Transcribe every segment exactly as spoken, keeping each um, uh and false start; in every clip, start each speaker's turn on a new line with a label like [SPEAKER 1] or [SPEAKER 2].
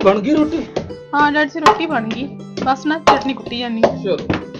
[SPEAKER 1] बन गई रोटी?
[SPEAKER 2] हाँ डैड से रोटी बन गई, बस ना चटनी कुटी जानी।
[SPEAKER 1] चलो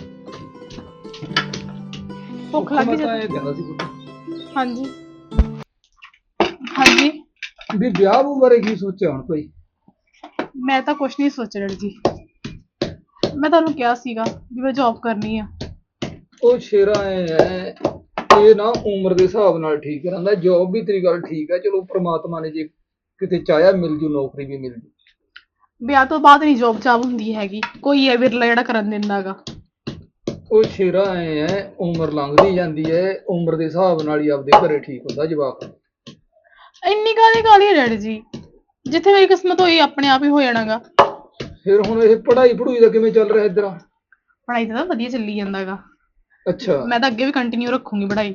[SPEAKER 2] भुख लग गई
[SPEAKER 1] मैं
[SPEAKER 2] जद।
[SPEAKER 1] कहना सी पुੱਤ
[SPEAKER 2] हाँ जी हाँ जी।
[SPEAKER 1] ਵੀ ਵਿਆਹ ਵੂ ਬਾਰੇ ਕੀ ਸੋਚਿਆ ਹੁਣ ਭਾਈ?
[SPEAKER 2] मैं तो कुछ नहीं सोच डैड जी, मैं ਤੁਹਾਨੂੰ ਕਿਹਾ ਸੀਗਾ ਵੀ ਮੈਂ ਜੌਬ ਕਰਨੀ ਆ।
[SPEAKER 1] ਉਹ ਸ਼ੇਰਾ ਐ ਹੈ ਇਹ ਨਾ ਉਮਰ ਦੇ ਹਿਸਾਬ ਨਾਲ ਠੀਕ ਰਹਿੰਦਾ। ਜੋਬ ਵੀ ਤੇਰੀ ਗੱਲ ਠੀਕ ਹੈ, ਚਲੋ ਪ੍ਰਮਾਤਮਾ ਨੇ ਜੇ ਕਿਤੇ ਚਾਹਿਆ ਮਿਲ ਜੂ ਨੌਕਰੀ ਵੀ ਮਿਲ ਜੂ।
[SPEAKER 2] ਵਿਆਹ ਤੋਂ ਬਾਅਦ ਨਹੀਂ ਜੌਬ ਚਾਬ ਹੁੰਦੀ ਹੈਗੀ, ਕੋਈ ਹੈ ਵਿਰਲਾ ਜਿਹੜਾ ਕਰਨ ਦਿੰਦਾਗਾ।
[SPEAKER 1] ਉਹ ਸ਼ੇਰਾ ਐ ਹੈ ਉਮਰ ਲੰਘਦੀ ਜਾਂਦੀ ਹੈ, ਉਮਰ ਦੇ ਹਿਸਾਬ ਨਾਲ ਹੀ ਆਪਦੇ ਘਰੇ ਠੀਕ ਹੁੰਦਾ ਜਵਾਕ।
[SPEAKER 2] ਇੰਨੀ ਕਾਹਦੀ ਕਾਹਲੀ ਹੈ ਡੈਡ ਜੀ, ਜਿੱਥੇ ਮੇਰੀ ਕਿਸਮਤ ਹੋਈ ਆਪਣੇ ਆਪ ਹੀ ਹੋ ਜਾਣਾਗਾ।
[SPEAKER 1] ਫਿਰ ਹੁਣ ਇਹ ਪੜ੍ਹਾਈ ਪੜੂਈ ਦਾ ਕਿਵੇਂ ਚੱਲ ਰਿਹਾ ਇੱਧਰ?
[SPEAKER 2] ਪੜ੍ਹਾਈ ਤਾਂ ਵਧੀਆ ਚੱਲੀ ਜਾਂਦਾਗਾ,
[SPEAKER 1] ਅੱਛਾ
[SPEAKER 2] ਮੈਂ ਤਾਂ ਅੱਗੇ ਵੀ ਕੰਟੀਨਿਊ ਰੱਖੂੰਗੀ ਪੜ੍ਹਾਈ।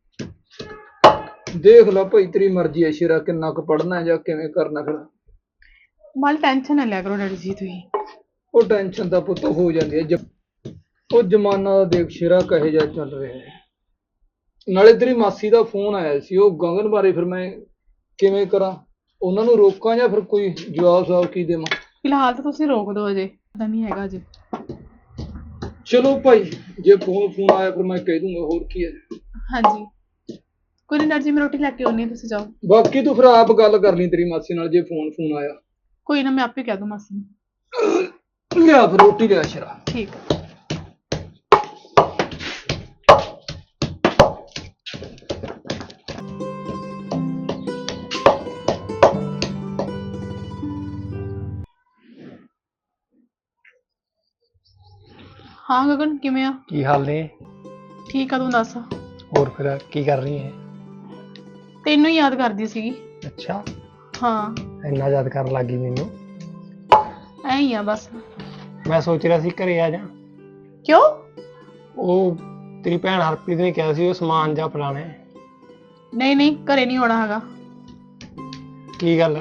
[SPEAKER 1] ਦੇਖ ਲਾ ਭਾਈ ਤੇਰੀ ਮਰਜ਼ੀ ਹੈ ਸ਼ੇਰਾ, ਕਿੰਨਾ ਕੁ ਪੜ੍ਹਨਾ ਜਾਂ ਕਿਵੇਂ ਕਰਨਾ। ਫਿਰ
[SPEAKER 2] ਮਾਲ ਟੈਨਸ਼ਨ ਨਾ ਲਿਆ ਕਰੋ ਡੈਡ ਜੀ ਤੁਸੀਂ।
[SPEAKER 1] ਉਹ ਟੈਨਸ਼ਨ ਦਾ ਪੁੱਤ ਹੋ ਜਾਂਦੀ ਹੈ ਜ- ਉਹ ਜ਼ਮਾਨਾ ਦਾ ਦੇਖ ਸ਼ੇਰਾ ਕਹੇ ਜਾ ਚੱਲ ਰਿਹਾ ਹੈ। ਨਾਲੇ ਤੇਰੀ ਮਾਸੀ ਦਾ ਫੋਨ ਆਇਆ ਸੀ ਉਹ ਗਗਨ ਬਾਰੇ, ਫਿਰ ਮੈਂ ਕਿਵੇਂ ਕਰਾਂ? ਉਹਨਾਂ ਨੂੰ ਰੋਕਾਂ ਜਾਂ ਫਿਰ ਕੋਈ ਜਵਾਬ ਸਵਾਬ ਕੀ ਦੇਵਾਂ?
[SPEAKER 2] ਫਿਲਹਾਲ ਤਾਂ ਤੁਸੀਂ ਰੋਕ ਦਿਓ, ਅਜੇ ਪਤਾ ਨਹੀਂ ਹੈਗਾ ਅਜੇ।
[SPEAKER 1] ਚਲੋ ਭਾਈ ਜੇ ਫੋਨ ਫੋਨ ਆਇਆ ਫਿਰ ਮੈਂ ਕਹਿ ਦੂੰਗਾ, ਹੋਰ ਕੀ ਹੈ।
[SPEAKER 2] ਹਾਂਜੀ ਕੋਈ ਨਹੀਂ ਡੈਡ ਜੀ, ਮੈਂ ਰੋਟੀ ਲੈ ਕੇ ਆਉਣੀ ਹੈ, ਤੁਸੀਂ ਜਾਓ।
[SPEAKER 1] ਬਾਕੀ ਤੂੰ ਫਿਰ ਆਪ ਗੱਲ ਕਰ ਲਈ ਤੇਰੀ ਮਾਸੀ ਨਾਲ ਜੇ ਫੋਨ ਫੋਨ ਆਇਆ।
[SPEAKER 2] ਕੋਈ ਨਾ ਮੈਂ ਆਪੇ ਕਹਿ ਦੂੰ ਮਾਸੀ ਨੂੰ।
[SPEAKER 1] ਲਿਆ ਫਿਰ ਰੋਟੀ ਲਿਆ ਸ਼ੇਰਾ।
[SPEAKER 2] ਠੀਕ ਹੈ। ਹਾਂ ਗਗਨ ਕਿਵੇਂ ਆ?
[SPEAKER 3] ਕੀ ਹਾਲ ਨੇ?
[SPEAKER 2] ਠੀਕ ਆ, ਤੂੰ ਦੱਸ।
[SPEAKER 3] ਹੋਰ ਫਿਰ ਕੀ ਕਰ ਰਹੀ ਹੈ?
[SPEAKER 2] ਤੈਨੂੰ ਹੀ ਯਾਦ ਕਰਦੀ ਸੀਗੀ।
[SPEAKER 3] ਅੱਛਾ,
[SPEAKER 2] ਹਾਂ
[SPEAKER 3] ਇੰਨਾ ਯਾਦ ਕਰਨ ਲੱਗੀ ਮੈਨੂੰ?
[SPEAKER 2] ਐਂ ਹੀ ਆ ਬਸ।
[SPEAKER 3] ਮੈਂ ਸੋਚ ਰਿਹਾ ਸੀ ਘਰੇ ਆ ਜਾ।
[SPEAKER 2] ਕਿਉਂ?
[SPEAKER 3] ਉਹ ਤੇਰੀ ਭੈਣ ਹਰਪ੍ਰੀਤ ਨੇ ਕਿਹਾ ਸੀ ਉਹ ਸਮਾਨ ਜਾ ਫੜਾਣਾ ਹੈ।
[SPEAKER 2] ਨਹੀਂ ਨਹੀਂ ਘਰੇ ਨਹੀਂ ਆਉਣਾ ਹੈਗਾ।
[SPEAKER 3] ਕੀ ਗੱਲ?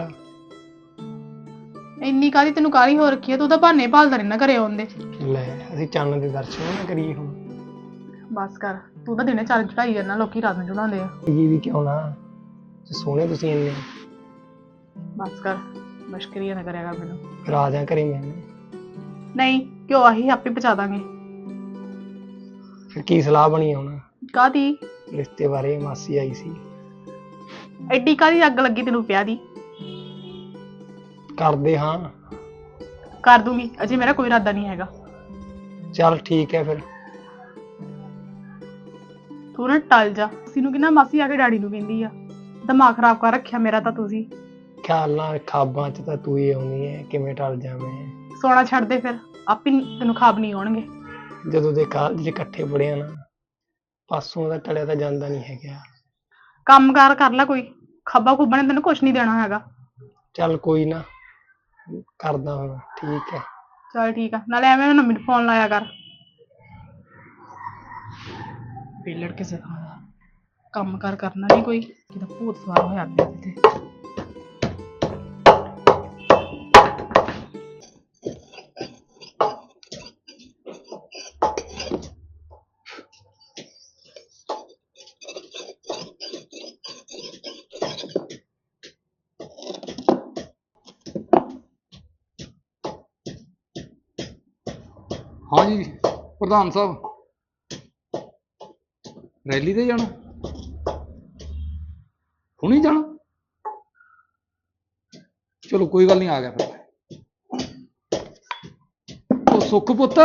[SPEAKER 2] ਇੰਨੀ ਕਾਹਲੀ ਤੈਨੂੰ ਕਾਹਲੀ ਹੋ ਰੱਖੀ ਹੈ, ਤੂੰ ਤਾਂ ਬਹਾਨੇ ਭਾਲਦਾ ਰਹਿਣਾ ਘਰੇ ਆਉਣ ਦੇ।
[SPEAKER 3] ਲੈ ਅਸੀਂ ਚੰਨ ਦੇ ਦਰਸ਼ਨ ਨਾ ਕਰੀਏ ਹੁਣ?
[SPEAKER 2] ਬਸ ਕਰ, ਤੂੰ ਤਾਂ ਦਿਨੇ ਚਾਰ ਚੜਾਈ ਜਾਂਦਾ, ਲੋਕੀ ਰਾਤ ਨੂੰ ਚੜਾਉਂਦੇ ਆ।
[SPEAKER 3] ਜੀ ਵੀ ਕਿਉਂ ਨਾ, ਸੋਹਣੇ ਤੁਸੀਂ ਇੰਨੇ।
[SPEAKER 2] ਬਸ ਕਰ, ਮਸ਼ਕਰੀਆਂ ਨਾ ਕਰਿਆ ਕਰ ਮੈਨੂੰ।
[SPEAKER 3] ਫਿਰ ਆ ਜਾ ਘਰੇ ਮੈਂ।
[SPEAKER 2] ਨਹੀਂ ਕਿਉਂ, ਆਹੀ ਆਪੇ ਪਹੁੰਚਾ ਦਾਂਗੇ।
[SPEAKER 3] ਫਿਰ ਕੀ ਸਲਾਹ ਬਣੀ ਹੁਣ
[SPEAKER 2] ਕਾਹਦੀ?
[SPEAKER 3] ਰਿਸ਼ਤੇ ਬਾਰੇ? ਮਾਸੀ ਆਈ ਸੀ।
[SPEAKER 2] ਐਡੀ ਕਾਹਦੀ ਅੱਗ ਲੱਗੀ ਤੈਨੂੰ ਪਿਆ ਦੀ?
[SPEAKER 3] ਕਰਦੇ ਹਾਂ।
[SPEAKER 2] ਕਰ ਦੂੰਗੀ, ਅਜੇ ਮੇਰਾ ਕੋਈ ਇਰਾਦਾ ਨਹੀਂ ਹੈਗਾ।
[SPEAKER 3] ਚੱਲ ਠੀਕ ਹੈ ਫਿਰ।
[SPEAKER 2] ਤੂੰ ਨਾ ਟਲ ਜਾ। ਮਾਸੀ ਨੂੰ ਕਿੰਨਾ, ਮਾਸੀ ਆ ਕੇ ਡੈਡੀ ਨੂੰ ਕਹਿੰਦੀ ਆ। ਦਿਮਾਗ ਖਰਾਬ ਕਰ ਰੱਖਿਆ ਮੇਰਾ ਤਾਂ ਤੁਸੀਂ।
[SPEAKER 3] ਖਿਆਲ ਨਾਲ ਖਾਬਾਂ ਚ ਤਾਂ ਤੂੰ ਹੀ ਆਉਣੀ ਹੈ, ਕਿਵੇਂ ਟਲ ਜਾ ਮੈਂ?
[SPEAKER 2] ਸੋਣਾ ਛੱਡ ਦੇ ਫਿਰ, ਆਪੇ ਤੈਨੂੰ ਖਾਬ ਨਹੀਂ ਆਉਣਗੇ।
[SPEAKER 3] ਜਦੋਂ ਦੇ ਕਾਲਜ ਚ ਇਕੱਠੇ ਪੜ੍ਹੇ ਆ ਨਾ, ਪਾਸੋਂ ਦਾ ਟਲਿਆ ਤਾਂ ਜਾਂਦਾ ਨਹੀਂ ਹੈਗਾ।
[SPEAKER 2] ਕੰਮ ਕਾਰ ਕਰ ਲੈ ਕੋਈ, ਖੱਬਾ ਖੁੱਬਾ ਨੇ ਤੈਨੂੰ ਕੁਛ ਨਹੀਂ ਦੇਣਾ ਹੈਗਾ।
[SPEAKER 3] ਚੱਲ ਕੋਈ ਨਾ, ਕਰਦਾ ਹੁਣ। ਠੀਕ ਹੈ
[SPEAKER 2] ਚੱਲ ਠੀਕ ਆ, ਨਾਲੇ ਐਵੇਂ ਨਾ ਮੈਨੂੰ ਫੋਨ ਲਾਇਆ ਕਰ। ਪੇਲੜ ਕਿਸੇ ਥਾਂ ਦਾ ਕੰਮ ਕਾਰ ਕਰਨਾ ਨਹੀਂ ਕੋਈ, ਕਿਤੇ ਭੂਤ ਸਵਾਰ ਹੋਇਆ ਪਿਆ ਤੇ।
[SPEAKER 1] हाँ जी प्रधान साहब, रैली ते जाना? हुणी जाना? चलो कोई गल नहीं, आ गया फिर। ओ सुख पुत्त,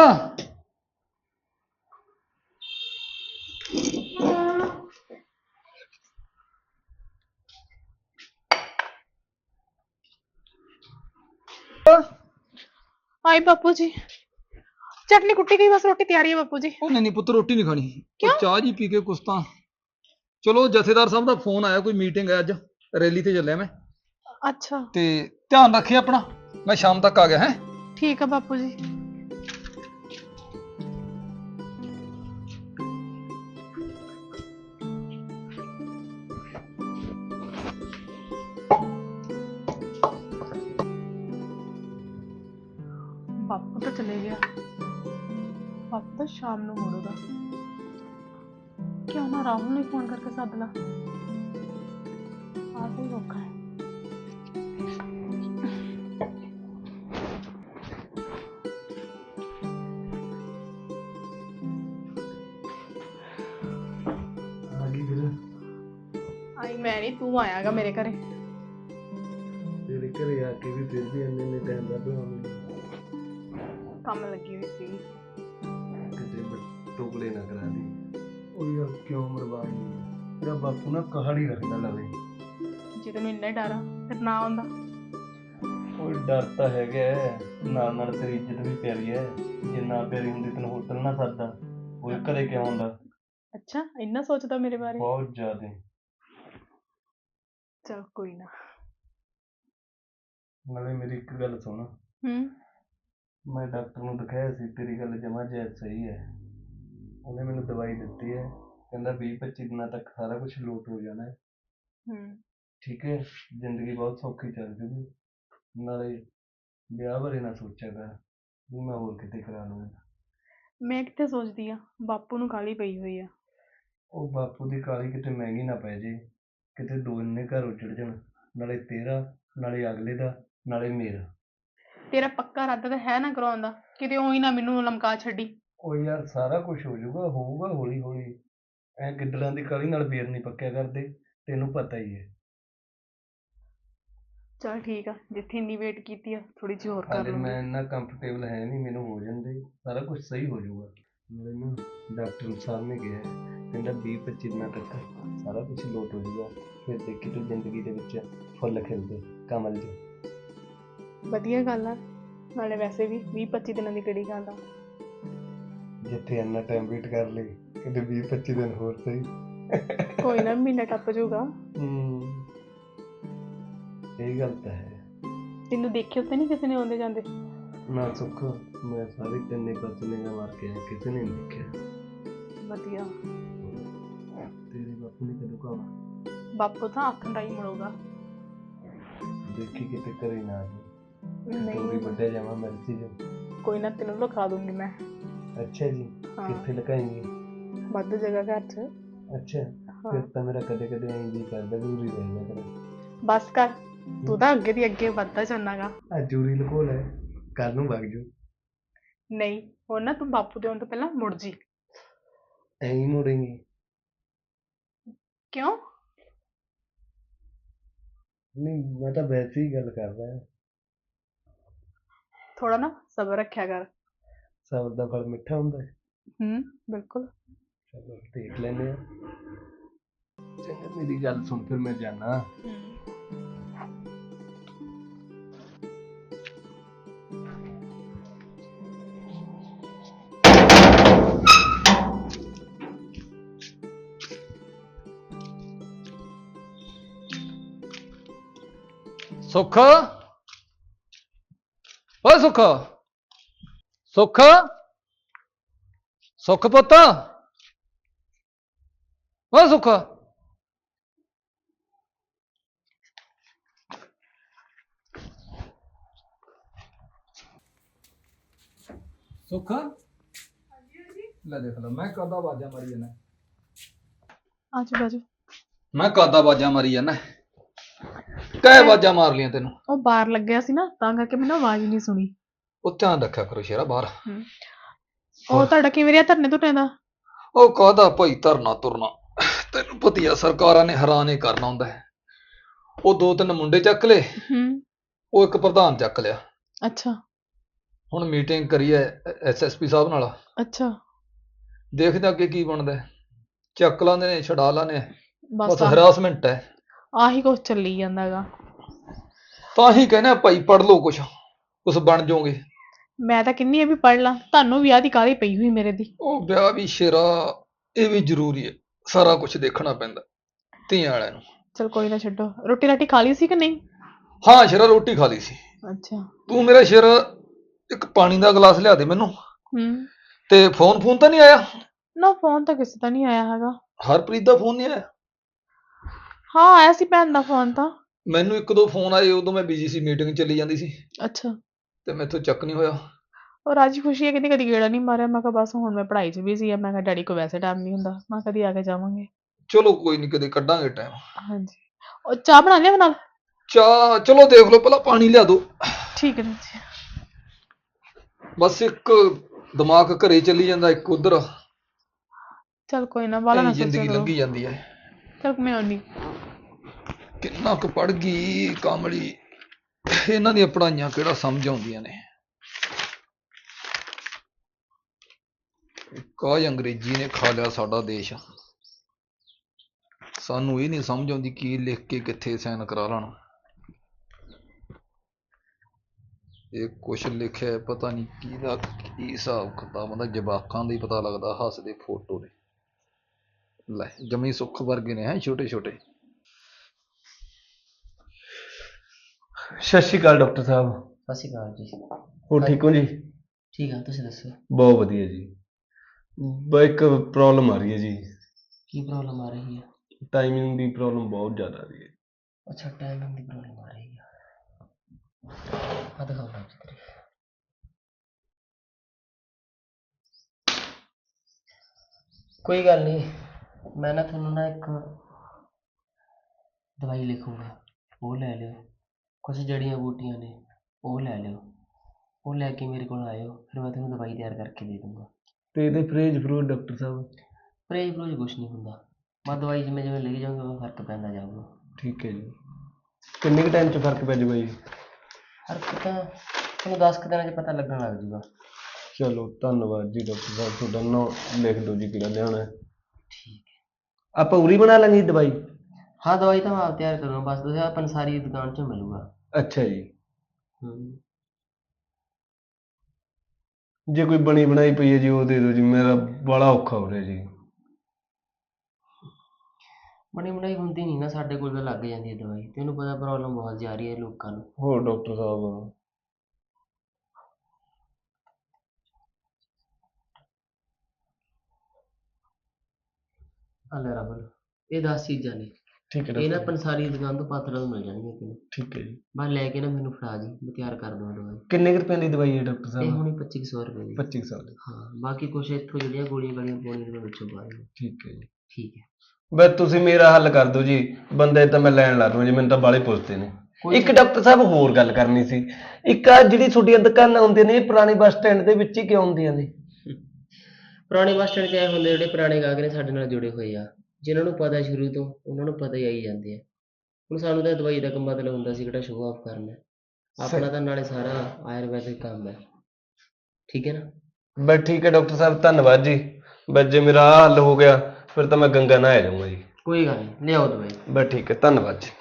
[SPEAKER 2] हाय बापू जी, चटनी कुटी गई, बस रोटी तैयारी है बापू जी।
[SPEAKER 1] ओ नहीं नहीं पुत्त रोटी नहीं खानी।
[SPEAKER 2] क्यों?
[SPEAKER 1] ओ चाह जी पी के कुछ तां चलो। जथेदार साहब का फोन आया, कोई मीटिंग है अज, रैली ते चलिया मैं।
[SPEAKER 2] अच्छा
[SPEAKER 1] ते ध्यान रखिए अपना, मैं शाम तक आ गया है।
[SPEAKER 2] ठीक है बापू जी। बापू तो चले गया, बापू तो शाम ਨੂੰ ਮੁੜੂਗਾ। क्यों ना राहुल ने फोन करके सद ला, आ सही औखा है। ਮੈਂ ਨਹੀਂ, ਤੂੰ ਆਇਆਗਾ ਮੇਰੇ ਘਰੇ।
[SPEAKER 4] ਤੇਰੇ ਘਰੇ ਆ ਕੇ ਵੀ ਫਿਰ ਵੀ ਇੰਨੇ ਇੰਨੇ ਟਾਈਮ ਬਾਅਦ ਆਉਂਦੀ
[SPEAKER 2] ਕੰਮ ਲੱਗੀ ਹੋਈ ਸੀ।
[SPEAKER 4] ਕਿਤੇ ਬ- ਟੋਕਲੇ ਨਾ ਕਰਾ ਦੀ। ਉਹ ਯਾਰ ਕਿਉਂ ਮਰਵਾਉਣੀ, ਤੇਰਾ ਬਾਪੂ ਨਾ ਕਹਾੜੀ ਰੱਖਦਾ ਲਵੇ।
[SPEAKER 2] ਜੇ ਤੈਨੂੰ ਇੰਨਾ ਹੀ ਡਰ ਆ ਫਿਰ ਨਾ ਆਉਂਦਾ।
[SPEAKER 4] ਉਹ ਡਰ ਤਾਂ ਹੈਗਾ ਹੈ, ਨਾਲ ਨਾਲ ਤੇਰੀ ਇੱਜ਼ਤ ਵੀ ਪਿਆਰੀ ਹੈ। ਜੇ ਨਾ ਪਿਆਰੀ ਹੁੰਦੀ ਤੈਨੂੰ ਹੋਟਲ ਨਾ ਸਰਦਾ, ਉਹ ਘਰੇ ਕਿਉਂ ਆਉਂਦਾ?
[SPEAKER 2] ਅੱਛਾ, ਇੰਨਾ ਸੋਚਦਾ ਮੇਰੇ ਬਾਰੇ।
[SPEAKER 4] ਬਹੁਤ ਜ਼ਿਆਦਾ।
[SPEAKER 2] ਚਲ ਕੋਈ ਨਾ।
[SPEAKER 4] ਨਾਲੇ ਮੇਰੀ ਇੱਕ ਗੱਲ ਸੁਣ,
[SPEAKER 2] ਹੂੰ।
[SPEAKER 4] ਮੈਂ ਡਾਕਟਰ ਨੂੰ ਦਿਖਾਇਆ ਸੀ, ਤੇਰੀ ਗੱਲ ਜਮਾਂ ਜਾਇਜ਼ ਸਹੀ ਹੈ। ਉਹਨੇ ਮੈਨੂੰ ਦਵਾਈ ਦਿੱਤੀ ਹੈ, ਕਹਿੰਦਾ ਵੀਹ ਪੱਚੀ ਦਿਨਾਂ ਤੱਕ ਸਾਰਾ ਕੁਝ ਲੋਟ ਹੋ ਜਾਣਾ ਹੈ।
[SPEAKER 2] ਹੂੰ।
[SPEAKER 4] ਠੀਕ ਹੈ, ਜ਼ਿੰਦਗੀ ਬਹੁਤ ਸੌਖੀ ਚੱਲ ਜੂਗੀ। ਨਾਲੇ ਵਿਆਹ ਬਾਰੇ ਨਾ ਸੋਚਿਆ ਕਰ ਵੀ ਮੈਂ ਹੋਰ ਕਿਤੇ ਕਰਾ ਲਵਾਂ।
[SPEAKER 2] ਮੈਂ ਕਿੱਥੇ ਸੋਚਦੀ ਆ, ਬਾਪੂ ਨੂੰ ਕਾਹਲੀ ਪਈ ਹੋਈ ਆ।
[SPEAKER 4] ਉਹ ਬਾਪੂ ਦੀ ਕਾਹਲੀ ਕਿਤੇ ਮਹਿੰਗੀ ਨਾ ਪੈ ਜੇ, ਕਿਤੇ ਦੋ ਇੰਨੇ ਘਰ ਉੱਜੜ ਜਾਣ, ਨਾਲੇ ਤੇਰਾ, ਨਾਲੇ ਅਗਲੇ ਦਾ, ਨਾਲੇ ਮੇਰਾ।
[SPEAKER 2] ਤੇਰਾ ਪੱਕਾ ਇਰਾਦਾ ਤਾਂ ਹੈ ਨਾ ਕਰਾਉਣ ਦਾ, ਕਿਤੇ ਉਹੀ ਨਾ ਮੈਨੂੰ ਲਮਕਾ ਛੱਡੀ।
[SPEAKER 4] ਉਹ ਯਾਰ ਸਾਰਾ ਕੁਝ ਹੋ ਜਾਊਗਾ, ਹੋਊਗਾ ਹੌਲੀ ਹੌਲੀ। ਐ ਗਿੱਦੜਾਂ ਦੀ ਕਾਹਲੀ ਨਾਲ ਬੇਰ ਨਹੀਂ ਪੱਕਿਆ ਕਰਦੇ, ਤੈਨੂੰ ਪਤਾ ਹੀ ਹੈ।
[SPEAKER 2] ਚਲ ਠੀਕ ਆ, ਜਿੱਥੇ ਇੰਨੀ ਵੇਟ ਕੀਤੀ ਆ ਥੋੜੀ ਜਿਹੀ ਹੋਰ ਕਰ
[SPEAKER 4] ਹਾਲੇ
[SPEAKER 2] ਲੂੰਗੀ।
[SPEAKER 4] ਮੈਂ ਇੰਨਾ ਕੰਫਰਟੇਬਲ ਹੈ ਨਹੀਂ, ਮੈਨੂੰ ਹੋ ਜਾਂਦੇ ਸਾਰਾ ਕੁਝ ਸਹੀ ਹੋ ਜਾਊਗਾ। ਮੈਨੂੰ ਡਾਕਟਰ ਸਾਹਿਬ ਨੇ ਕਿਹਾ, ਕਹਿੰਦਾ ਵੀਹ ਪੱਚੀ ਦਿਨਾਂ ਤੱਕ ਸਾਰਾ ਕੁਝ ਲੋਟ ਹੋ ਜਾਊਗਾ, ਫਿਰ ਦੇਖੀ ਤੂੰ ਜ਼ਿੰਦਗੀ ਦੇ ਵਿੱਚ ਫੁੱਲ ਖਿਲਦੇ ਕਮਲ ਜਿਹੇ।
[SPEAKER 2] ਵਧੀਆ ਗੱਲ ਆ, ਨਾਲੇ ਵੈਸੇ ਵੀ ਵੀਹ ਪੱਚੀ ਦਿਨਾਂ ਦੀ ਕਿਹੜੀ ਗੱਲ ਆ।
[SPEAKER 4] ਜਿੱਥੇ ਇੰਨਾ ਟਾਈਮ ਵੇਟ ਕਰ ਲਈ, ਕਿਤੇ ਵੀਹ ਪੱਚੀ ਦਿਨ ਹੋਰ ਸਹੀ।
[SPEAKER 2] ਕੋਈ ਨਾ, ਮਹੀਨਾ ਟੱਪ ਜਾਊਗਾ।
[SPEAKER 4] ਹੂੰ, ਇਹ ਗੱਲ ਤਾਂ ਹੈ।
[SPEAKER 2] ਤੈਨੂੰ ਦੇਖਿਆ ਤਾਂ ਨਹੀਂ ਕਿਸੇ ਨੇ ਆਉਂਦੇ ਜਾਂਦੇ?
[SPEAKER 4] ਨਾ ਸੁੱਖ, ਮੈਂ ਸਾਰੇ ਤਿੰਨੇ ਪਾਸੇ ਨਿਗਾਹ ਮਾਰ ਕੇ ਆਇਆ, ਕਿਸੇ ਨੇ ਨਹੀਂ ਦੇਖਿਆ।
[SPEAKER 2] ਵਧੀਆ।
[SPEAKER 4] ਤੇਰੇ ਬਾਪੂ ਨੇ ਕਦੋਂ ਕਹਾ?
[SPEAKER 2] ਬਾਪੂ ਤਾਂ ਅੱਖ ਦਾ ਹੀ ਮੁੜੂਗਾ।
[SPEAKER 4] ਦੇਖੀ ਕਿਤੇ ਘਰੇ ਨਾ ਆ ਜਾਏ,
[SPEAKER 2] ਨਹੀਂ,
[SPEAKER 4] ਤੋਰੀ ਵੱਡੇ ਜਾਵਾਂ ਮਿਰਚੀ ਜੋ।
[SPEAKER 2] ਕੋਈ ਨਾ, ਤੈਨੂੰ ਲਿਖਾ ਦੂੰਗੀ ਮੈਂ।
[SPEAKER 4] ਅੱਛਾ ਜੀ,
[SPEAKER 2] ਹਾਂ।
[SPEAKER 4] ਕਿੱਥੇ ਲਗਾਏਂਗੇ?
[SPEAKER 2] ਵੱਧ ਜਗ੍ਹਾ ਘਰ 'ਚ।
[SPEAKER 4] ਅੱਛਾ,
[SPEAKER 2] ਹਾਂ।
[SPEAKER 4] ਫਿਰ ਤਾਂ ਮੇਰਾ ਕਦੇ ਕਦੇ ਐਂ ਜੀ ਕਰਦਾ ਜ਼ਰੂਰੀ ਰਹਿਣਾ ਕਰ।
[SPEAKER 2] ਬਸ ਕਰ, ਤੂੰ ਤਾਂ ਅੱਗੇ ਦੀ ਅੱਗੇ ਵੱਧਦਾ ਜਾਂਦਾਗਾ।
[SPEAKER 4] ਆ ਜੂਰੀ ਲਕੋ ਲੈ, ਕੱਲ ਨੂੰ ਵਗ ਜੂ।
[SPEAKER 2] ਨਹੀਂ, ਹੁਣ ਨਾ ਤੂੰ ਬਾਪੂ ਦੇ ਆਉਣ ਤੋਂ ਪਹਿਲਾਂ ਮੁੜ ਜੀ।
[SPEAKER 4] ਐਂ ਹੀ ਮੁੜੇਂਗੀ?
[SPEAKER 2] ਕਿਉਂ?
[SPEAKER 4] ਨਹੀਂ, ਮੈਂ ਤਾਂ ਵੈਸੇ ਹੀ ਗੱਲ ਕਰਦਾ।
[SPEAKER 2] ਥੋੜਾ ਨਾ ਸਬਰ ਰੱਖਿਆ ਕਰ।
[SPEAKER 4] ਸਬਰ ਦਾ ਫਲ ਮਿੱਠਾ ਹੁੰਦਾ ਹੈ।
[SPEAKER 2] ਹੂੰ, ਬਿਲਕੁਲ।
[SPEAKER 4] ਚਲੋ ਦੇਖ ਲੈਂਦੇ ਆ। ਚੰਗਾ, ਮੇਰੀ ਗੱਲ ਸੁਣ, ਫਿਰ ਮੈਂ ਜਾਣਾ।
[SPEAKER 1] ਸੁੱਖ, ਓਏ ਸੁੱਖ, ਸੁੱਖ, ਸੁੱਖ ਪੁੱਤ, ਓਏ ਸੁੱਖ। ਸੁੱਖ, ਲੈ ਦੇਖ ਲੈ, ਮੈਂ ਕਦਾ ਆਵਾਜ਼ਾਂ ਮਾਰੀ ਜਾਂਦਾ,
[SPEAKER 2] ਆਜੋ ਬਾਜੂ।
[SPEAKER 1] ਮੈਂ ਕਦਾ ਆਵਾਜ਼ਾਂ ਮਾਰੀ ਜਾਂਦਾ, ਕਈ ਆਵਾਜ਼ਾਂ ਮਾਰ ਲੀਆਂ ਤੈਨੂੰ।
[SPEAKER 2] ਉਹ ਬਾਹਰ ਲੱਗਿਆ ਸੀ ਨਾ, ਤਾਂ ਕਰਕੇ ਮੈਨੂੰ ਆਵਾਜ਼ ਨਹੀਂ ਸੁਣੀ।
[SPEAKER 1] ਉਹ ਧਿਆਨ ਰੱਖਿਆ ਕਰੋ ਸ਼ੇਰਾ ਬਾਹਰ।
[SPEAKER 2] ਉਹ ਤੁਹਾਡਾ ਕਿਵੇਂ ਰਿਹਾ ਧਰਨੇ ਧੁਰਨੇ ਦਾ?
[SPEAKER 1] ਉਹ ਕਾਹਦਾ ਭਾਈ ਧਰਨਾ ਤੁਰਨਾ, ਤੈਨੂੰ ਪਤਾ ਹੀ ਆ ਸਰਕਾਰਾਂ ਨੇ ਹੈਰਾਨ ਹੀ ਕਰਨਾ ਹੁੰਦਾ ਹੈ। ਉਹ ਦੋ ਤਿੰਨ ਮੁੰਡੇ ਚੱਕ ਲਏ,
[SPEAKER 2] ਹੂੰ।
[SPEAKER 1] ਉਹ ਇੱਕ ਪ੍ਰਧਾਨ ਚੱਕ ਲਿਆ।
[SPEAKER 2] ਅੱਛਾ
[SPEAKER 1] ਹੁਣ ਮੀਟਿੰਗ ਕਰੀ ਹੈ ਐਸ ਐਸ ਪੀ ਸਾਹਿਬ ਨਾਲ,
[SPEAKER 2] ਅੱਛਾ।
[SPEAKER 1] ਦੇਖਦੇ ਅੱਗੇ ਕੀ ਬਣਦਾ ਹੈ। ਚੱਕ ਲਾਉਂਦੇ ਨੇ, ਛਡਾ ਲਾਉਂਦੇ ਨੇ,
[SPEAKER 2] ਬਸ
[SPEAKER 1] ਬਸ
[SPEAKER 2] ਆਹ-
[SPEAKER 1] ਹਰਾਸਮੈਂਟ ਹੈ।
[SPEAKER 2] ਆਹੀ ਕੁਛ ਚੱਲੀ ਜਾਂਦਾ ਗਾ।
[SPEAKER 1] ਤਾਂ ਹੀ ਕਹਿੰਦੇ ਆ ਭਾਈ ਪੜ੍ਹ ਲਓ, ਕੁਛ ਕੁਛ ਬਣ ਜਾਓਗੇ।
[SPEAKER 2] ਮੈਂ ਤਾਂ ਕਿੰਨੀ ਆ ਵੀ ਪੜ੍ਹ ਲਾਂ, ਤੁਹਾਨੂੰ ਵਿਆਹ ਦੀ ਕਾਹਲੀ ਪਈ ਹੋਈ ਮੇਰੇ ਦੀ।
[SPEAKER 1] ਉਹ ਵਿਆਹ ਵੀ ਸ਼ੇਰਾ, ਇਹ ਵੀ ਜ਼ਰੂਰੀ ਹੈ, ਸਾਰਾ ਕੁਝ ਦੇਖਣਾ ਪੈਂਦਾ ਧੀਆਂ ਵਾਲਿਆਂ ਨੂੰ।
[SPEAKER 2] ਚਲ ਕੋਈ ਨਾ ਛੱਡੋ, ਰੋਟੀ ਰਾਟੀ ਖਾ ਲਈ ਸੀ ਕਿ ਨਹੀਂ?
[SPEAKER 1] ਹਾਂ ਸ਼ੇਰਾ, ਰੋਟੀ ਖਾ ਲਈ ਸੀ।
[SPEAKER 2] ਅੱਛਾ।
[SPEAKER 1] ਤੂੰ ਮੇਰਾ ਸ਼ੇਰ ਇੱਕ ਪਾਣੀ ਦਾ ਗਲਾਸ ਲਿਆ ਦੇ ਮੈਨੂੰ।
[SPEAKER 2] ਹੂੰ।
[SPEAKER 1] ਤੇ ਫੋਨ ਫੋਨ ਤਾਂ ਨਹੀਂ ਆਇਆ?
[SPEAKER 2] ਨਾ ਫੋਨ ਤਾਂ ਕਿਸੇ ਦਾ ਨਹੀਂ ਆਇਆ ਹੈਗਾ।
[SPEAKER 1] ਹਰਪ੍ਰੀਤ ਦਾ ਫੋਨ ਨਹੀਂ ਆਇਆ?
[SPEAKER 2] ਹਾਂ ਆਇਆ ਸੀ ਭੈਣ ਦਾ ਫੋਨ ਤਾਂ।
[SPEAKER 1] ਮੈਨੂੰ ਇੱਕ ਦੋ ਫੋਨ ਆਏ, ਉਦੋਂ ਮੈਂ ਬਿਜੀ ਸੀ, ਮੀਟਿੰਗ ਚੱਲੀ ਜਾਂਦੀ ਸੀ,
[SPEAKER 2] ਅੱਛਾ।
[SPEAKER 1] ਤੇ ਮੈਥੋਂ ਚੱਕ ਨਹੀਂ ਹੋਇਆ।
[SPEAKER 2] ਉਹ ਰਾਜੀ ਖੁਸ਼ੀ ਹੈ, ਕਹਿੰਦੀ ਕਦੀ ਗੇੜਾ ਨਹੀਂ ਮਾਰਿਆ। ਮੈਂ ਕਿਹਾ ਬਸ ਹੁਣ ਮੈਂ ਪੜ੍ਹਾਈ 'ਚ ਬਿਜ਼ੀ ਆ। ਮੈਂ ਕਿਹਾ ਡੈਡੀ ਕੋਲ ਵੈਸੇ ਟਾਈਮ ਨਹੀਂ ਹੁੰਦਾ, ਮੈਂ ਕਦੀ ਆ ਕੇ ਜਾਵਾਂਗੇ।
[SPEAKER 1] ਚਲੋ ਕੋਈ ਨਹੀਂ, ਕਦੇ ਕੱਢਾਂਗੇ ਟਾਈਮ।
[SPEAKER 2] ਹਾਂਜੀ। ਉਹ ਚਾਹ ਬਣਾ ਲਿਆ ਨਾਲ?
[SPEAKER 1] ਚਾਹ ਚਲੋ ਦੇਖ ਲਓ, ਪਹਿਲਾਂ ਪਾਣੀ ਲਿਆ ਦਿਓ।
[SPEAKER 2] ਠੀਕ ਹੈ ਜੀ।
[SPEAKER 1] ਬਸ ਇੱਕ ਦਿਮਾਗ ਘਰੇ ਚੱਲੀ ਜਾਂਦਾ, ਇੱਕ ਉਧਰ
[SPEAKER 2] ਚਲ ਕੋਈ ਨਾ, ਬਾਲਾ ਨਾ ਸੋਚਿਆ
[SPEAKER 1] ਜ਼ਿੰਦਗੀ
[SPEAKER 2] ਕਰੋ।
[SPEAKER 1] ਲੰਘੀ ਜਾਂਦੀ ਹੈ।
[SPEAKER 2] ਚਲ ਮੈਂ ਆਉਣੀ।
[SPEAKER 1] ਕਿੰਨਾ ਕੁ ਪੜ ਗਈ ਕਾਮਲੀ, ਇਹਨਾਂ ਦੀਆਂ ਪੜ੍ਹਾਈਆਂ ਕਿਹੜਾ ਸਮਝ ਆਉਂਦੀਆਂ ਨੇ। ਕਾਜ ਅੰਗਰੇਜ਼ੀ ਨੇ ਖਾ ਲਿਆ ਸਾਡਾ ਦੇਸ਼, ਸਾਨੂੰ ਇਹ ਨਹੀਂ ਸਮਝ ਆਉਂਦੀ ਕੀ ਲਿਖ ਕੇ ਕਿੱਥੇ ਸਾਈਨ ਕਰਾ ਲੈਣਾ। ਇਹ ਕੁਛ ਲਿਖਿਆ ਪਤਾ ਨਹੀਂ ਕਿਹਦਾ ਕੀ ਹਿਸਾਬ ਕਿਤਾਬ ਹੁੰਦਾ, ਜਵਾਕਾਂ ਦਾ ਹੀ ਪਤਾ ਲੱਗਦਾ ਹੱਸਦੇ ਫੋਟੋ ਦੇ। ਲੈ ਜਮੀ ਸੁੱਖ ਵਰਗੇ ਨੇ ਹੈ ਛੋਟੇ ਛੋਟੇ।
[SPEAKER 4] ਸਤਿ ਸ਼੍ਰੀ ਅਕਾਲ ਡਾਕਟਰ ਸਾਹਿਬ।
[SPEAKER 5] ਸਤਿ ਸ਼੍ਰੀ ਅਕਾਲ ਜੀ।
[SPEAKER 4] ਹੋਰ ਠੀਕ ਹੋ ਜੀ?
[SPEAKER 5] ਠੀਕ ਆ, ਤੁਸੀਂ ਦੱਸੋ
[SPEAKER 4] ਬਹੁਤ ਵਧੀਆ ਜੀ। ਬ ਇੱਕ ਪ੍ਰੋਬਲਮ ਆ ਰਹੀ ਹੈ ਜੀ,
[SPEAKER 5] ਕੀ ਪ੍ਰੋਬਲਮ ਆ ਰਹੀ ਹੈ?
[SPEAKER 4] ਟਾਈਮਿੰਗ ਦੀ ਪ੍ਰੋਬਲਮ ਬਹੁਤ ਜ਼ਿਆਦਾ ਆ ਰਹੀ ਹੈ।
[SPEAKER 5] ਅੱਛਾ, ਟਾਈਮਿੰਗ ਦੀ ਪ੍ਰੋਬਲਮ ਆ ਰਹੀ ਹੈ। ਆ ਦਿਖਾਓ ਨਾ ਜੀ ਤੇਰੀ। ਕੋਈ ਗੱਲ ਨਹੀਂ, ਮੈਂ ਨਾ ਤੁਹਾਨੂੰ ਨਾ ਇੱਕ ਦਵਾਈ ਲਿਖੂੰਗਾ, ਉਹ ਲੈ ਲਿਓ। ਕੁਝ ਜੜੀਆਂ ਬੂਟੀਆਂ ਨੇ, ਉਹ ਲੈ ਲਿਓ। ਉਹ ਲੈ ਕੇ ਮੇਰੇ ਕੋਲ ਆਇਓ, ਫਿਰ ਮੈਂ ਤੁਹਾਨੂੰ ਦਵਾਈ ਤਿਆਰ ਕਰਕੇ ਦੇ ਦੂੰਗਾ।
[SPEAKER 4] ਤੇ ਇਹਦੇ ਫਰੇਜ ਫਰੂਟ ਡਾਕਟਰ ਸਾਹਿਬ?
[SPEAKER 5] ਪਰਹੇਜ਼ ਪਰਹੇਜ਼ ਕੁਛ ਨਹੀਂ ਹੁੰਦਾ, ਮੈਂ ਦਵਾਈ ਜਿਵੇਂ ਜਿਵੇਂ ਲਿਖ ਜਾਊਂਗਾ ਉਹ ਫਰਕ ਪੈਂਦਾ ਜਾਊਗਾ।
[SPEAKER 4] ਠੀਕ ਹੈ ਜੀ। ਕਿੰਨੇ ਕੁ ਟਾਈਮ 'ਚ ਫਰਕ ਪੈ ਜਾਊਗਾ ਜੀ?
[SPEAKER 5] ਫਰਕ ਤਾਂ ਤੁਹਾਨੂੰ ਦਸ ਕੁ ਦਿਨਾਂ 'ਚ ਪਤਾ ਲੱਗਣ ਲੱਗ ਜੂਗਾ।
[SPEAKER 4] ਚਲੋ ਧੰਨਵਾਦ ਜੀ ਡਾਕਟਰ ਸਾਹਿਬ, ਤੁਹਾਡਾ ਨਾਂ ਲਿਖ ਦਿਓ ਜੀ ਕਿਹੜਾ ਲਿਆਉਣਾ ਹੈ।
[SPEAKER 5] ਠੀਕ ਹੈ।
[SPEAKER 4] ਆਪਾਂ ਉਰੀ ਬਣਾ ਲਾਂਗੇ ਜੀ ਦਵਾਈ?
[SPEAKER 5] ਹਾਂ, ਦਵਾਈ ਤਾਂ ਮੈਂ ਆਪ ਤਿਆਰ ਕਰੂੰਗਾ, ਬਸ ਤੁਸੀਂ ਆਹ ਪੰਸਾਰੀ ਦੀ ਦੁਕਾਨ 'ਚੋਂ ਮਿਲੂਗਾ।
[SPEAKER 4] ਅੱਛਾ ਜੀ।
[SPEAKER 5] ਹੂੰ।
[SPEAKER 4] ਜੇ ਕੋਈ ਬਣੀ ਬਣਾਈ ਪਈ ਹੈ ਜੀ ਉਹ ਦੇ ਦਿਓ ਜੀ, ਮੇਰਾ ਬੜਾ ਔਖਾ ਹੋ ਰਿਹਾ ਜੀ।
[SPEAKER 5] ਬਣੀ ਬਣਾਈ ਹੁੰਦੀ ਨਹੀਂ ਨਾ, ਸਾਡੇ ਕੋਲ ਤਾਂ ਲੱਗ ਜਾਂਦੀ ਹੈ ਦਵਾਈ। ਤੈਨੂੰ ਪਤਾ ਪ੍ਰੋਬਲਮ ਬਹੁਤ ਜਾ ਰਹੀ ਹੈ ਲੋਕਾਂ ਨੂੰ।
[SPEAKER 4] ਹੋਰ ਡਾਕਟਰ ਸਾਹਿਬ?
[SPEAKER 5] ਆ ਲੈ ਰਾਹੁਲ, ਇਹ ਦਸ ਚੀਜ਼ਾਂ ਨੇ।
[SPEAKER 4] ਠੀਕ ਹੈ
[SPEAKER 5] ਇਹ ਨਾ
[SPEAKER 4] ਡਾਕਟਰ।
[SPEAKER 5] ਪੰਸਾਰੀ ਦੀ ਦੁਕਾਨ ਤੋਂ ਪਾਤੜਾ ਤੋਂ ਮਿਲ ਜਾਣਗੀਆਂ ਤੈਨੂੰ।
[SPEAKER 4] ਠੀਕ ਹੈ ਜੀ।
[SPEAKER 5] ਬਸ ਲੈ ਕੇ ਨਾ ਮੈਨੂੰ ਫੜਾ ਜੀ, ਮੈਂ ਤਿਆਰ ਕਰ ਦੂੰਗਾ ਦਵਾਈ।
[SPEAKER 4] ਕਿੰਨੇ ਕੁ ਰੁਪਏ ਦੀ ਦਵਾਈ ਹੈ ਡਾਕਟਰ
[SPEAKER 5] ਇਹ
[SPEAKER 4] ਸਾਹਿਬ?
[SPEAKER 5] ਹੋਣੀ ਪੱਚੀ ਕੁ ਸੌ ਰੁਪਏ ਦੀ।
[SPEAKER 4] ਪੱਚੀ ਕੁ ਸੌ ਦੀ।
[SPEAKER 5] ਹਾਂ, ਬਾਕੀ ਕੁਛ ਇੱਥੋਂ ਜਿਹੜੀਆਂ ਗੋਲੀਆਂ ਗਾਲੀਆਂ ਪਾਉਣੀਆਂ ਨੇ ਵਿੱਚੋਂ ਪਾ ਦੇਣਾ।
[SPEAKER 4] ਠੀਕ ਹੈ ਜੀ।
[SPEAKER 5] ਠੀਕ ਹੈ।
[SPEAKER 4] ਬਸ ਤੁਸੀਂ ਮੇਰਾ ਹੱਲ ਕਰ ਦਿਓ ਜੀ, ਬੰਦੇ ਤਾਂ ਮੈਂ ਲੈਣ ਲਾ ਦੂੰ ਜੀ, ਮੈਨੂੰ ਤਾਂ ਬਾਹਲੇ ਪੁੱਛਦੇ ਨੇ।
[SPEAKER 5] ਕੋਈ
[SPEAKER 4] ਇੱਕ ਡਾਕਟਰ ਸਾਹਿਬ ਹੋਰ ਗੱਲ ਕਰਨੀ ਸੀ, ਇੱਕ ਆ ਜਿਹੜੀ ਤੁਹਾਡੀਆਂ ਦੁਕਾਨਾਂ ਹੁੰਦੀਆਂ ਨੇ ਇਹ ਪੁਰਾਣੇ ਬੱਸ ਸਟੈਂਡ ਦੇ ਵਿੱਚ ਹੀ ਕਿਉਂ ਹੁੰਦੀਆਂ ਨੇ?
[SPEAKER 5] ਪੁਰਾਣੇ ਬੱਸ ਸਟੈਂਡ 'ਚ ਆਏ ਹੁੰਦੇ ਜਿਹੜੇ ਪੁਰਾਣੇ ਗਾਹਕ ਨੇ ਸਾਡੇ ਨਾਲ ਜੁੜੇ ਹੋਏ ਆ, ਜਿਨ੍ਹਾਂ ਨੂੰ ਪਤਾ ਸ਼ੁਰੂ ਤੋਂ, ਉਹਨਾਂ ਨੂੰ ਪਤਾ ਹੀ ਆਈ ਜਾਂਦੇ ਆ। ਹੁਣ ਸਾਨੂੰ ਤਾਂ ਦਵਾਈ ਦਾ ਕੰਮ ਮਤਲਬ ਹੁੰਦਾ ਸੀ ਕਿਹੜਾ ਸ਼ੋਅ ਆਫ ਕਰਨਾ, ਆਪਣਾ ਤਾਂ ਨਾਲੇ ਸਾਰਾ ਆਯੁਰਵੈਦਿਕ ਕੰਮ ਹੈ। ਠੀਕ ਹੈ ਨਾ?
[SPEAKER 4] ਬਸ ਠੀਕ ਹੈ ਡਾਕਟਰ ਸਾਹਿਬ, ਧੰਨਵਾਦ ਜੀ। ਬਸ ਜੇ ਮੇਰਾ ਆਹ ਹੱਲ ਹੋ ਗਿਆ ਫਿਰ ਤਾਂ ਮੈਂ ਗੰਗਾ ਨਹਾਇਆ ਜਾਊਂਗਾ ਜੀ।
[SPEAKER 5] ਕੋਈ ਗੱਲ ਨਹੀਂ, ਲਿਆਓ ਦਵਾਈ।
[SPEAKER 4] ਬਸ ਠੀਕ ਹੈ, ਧੰਨਵਾਦ ਜੀ।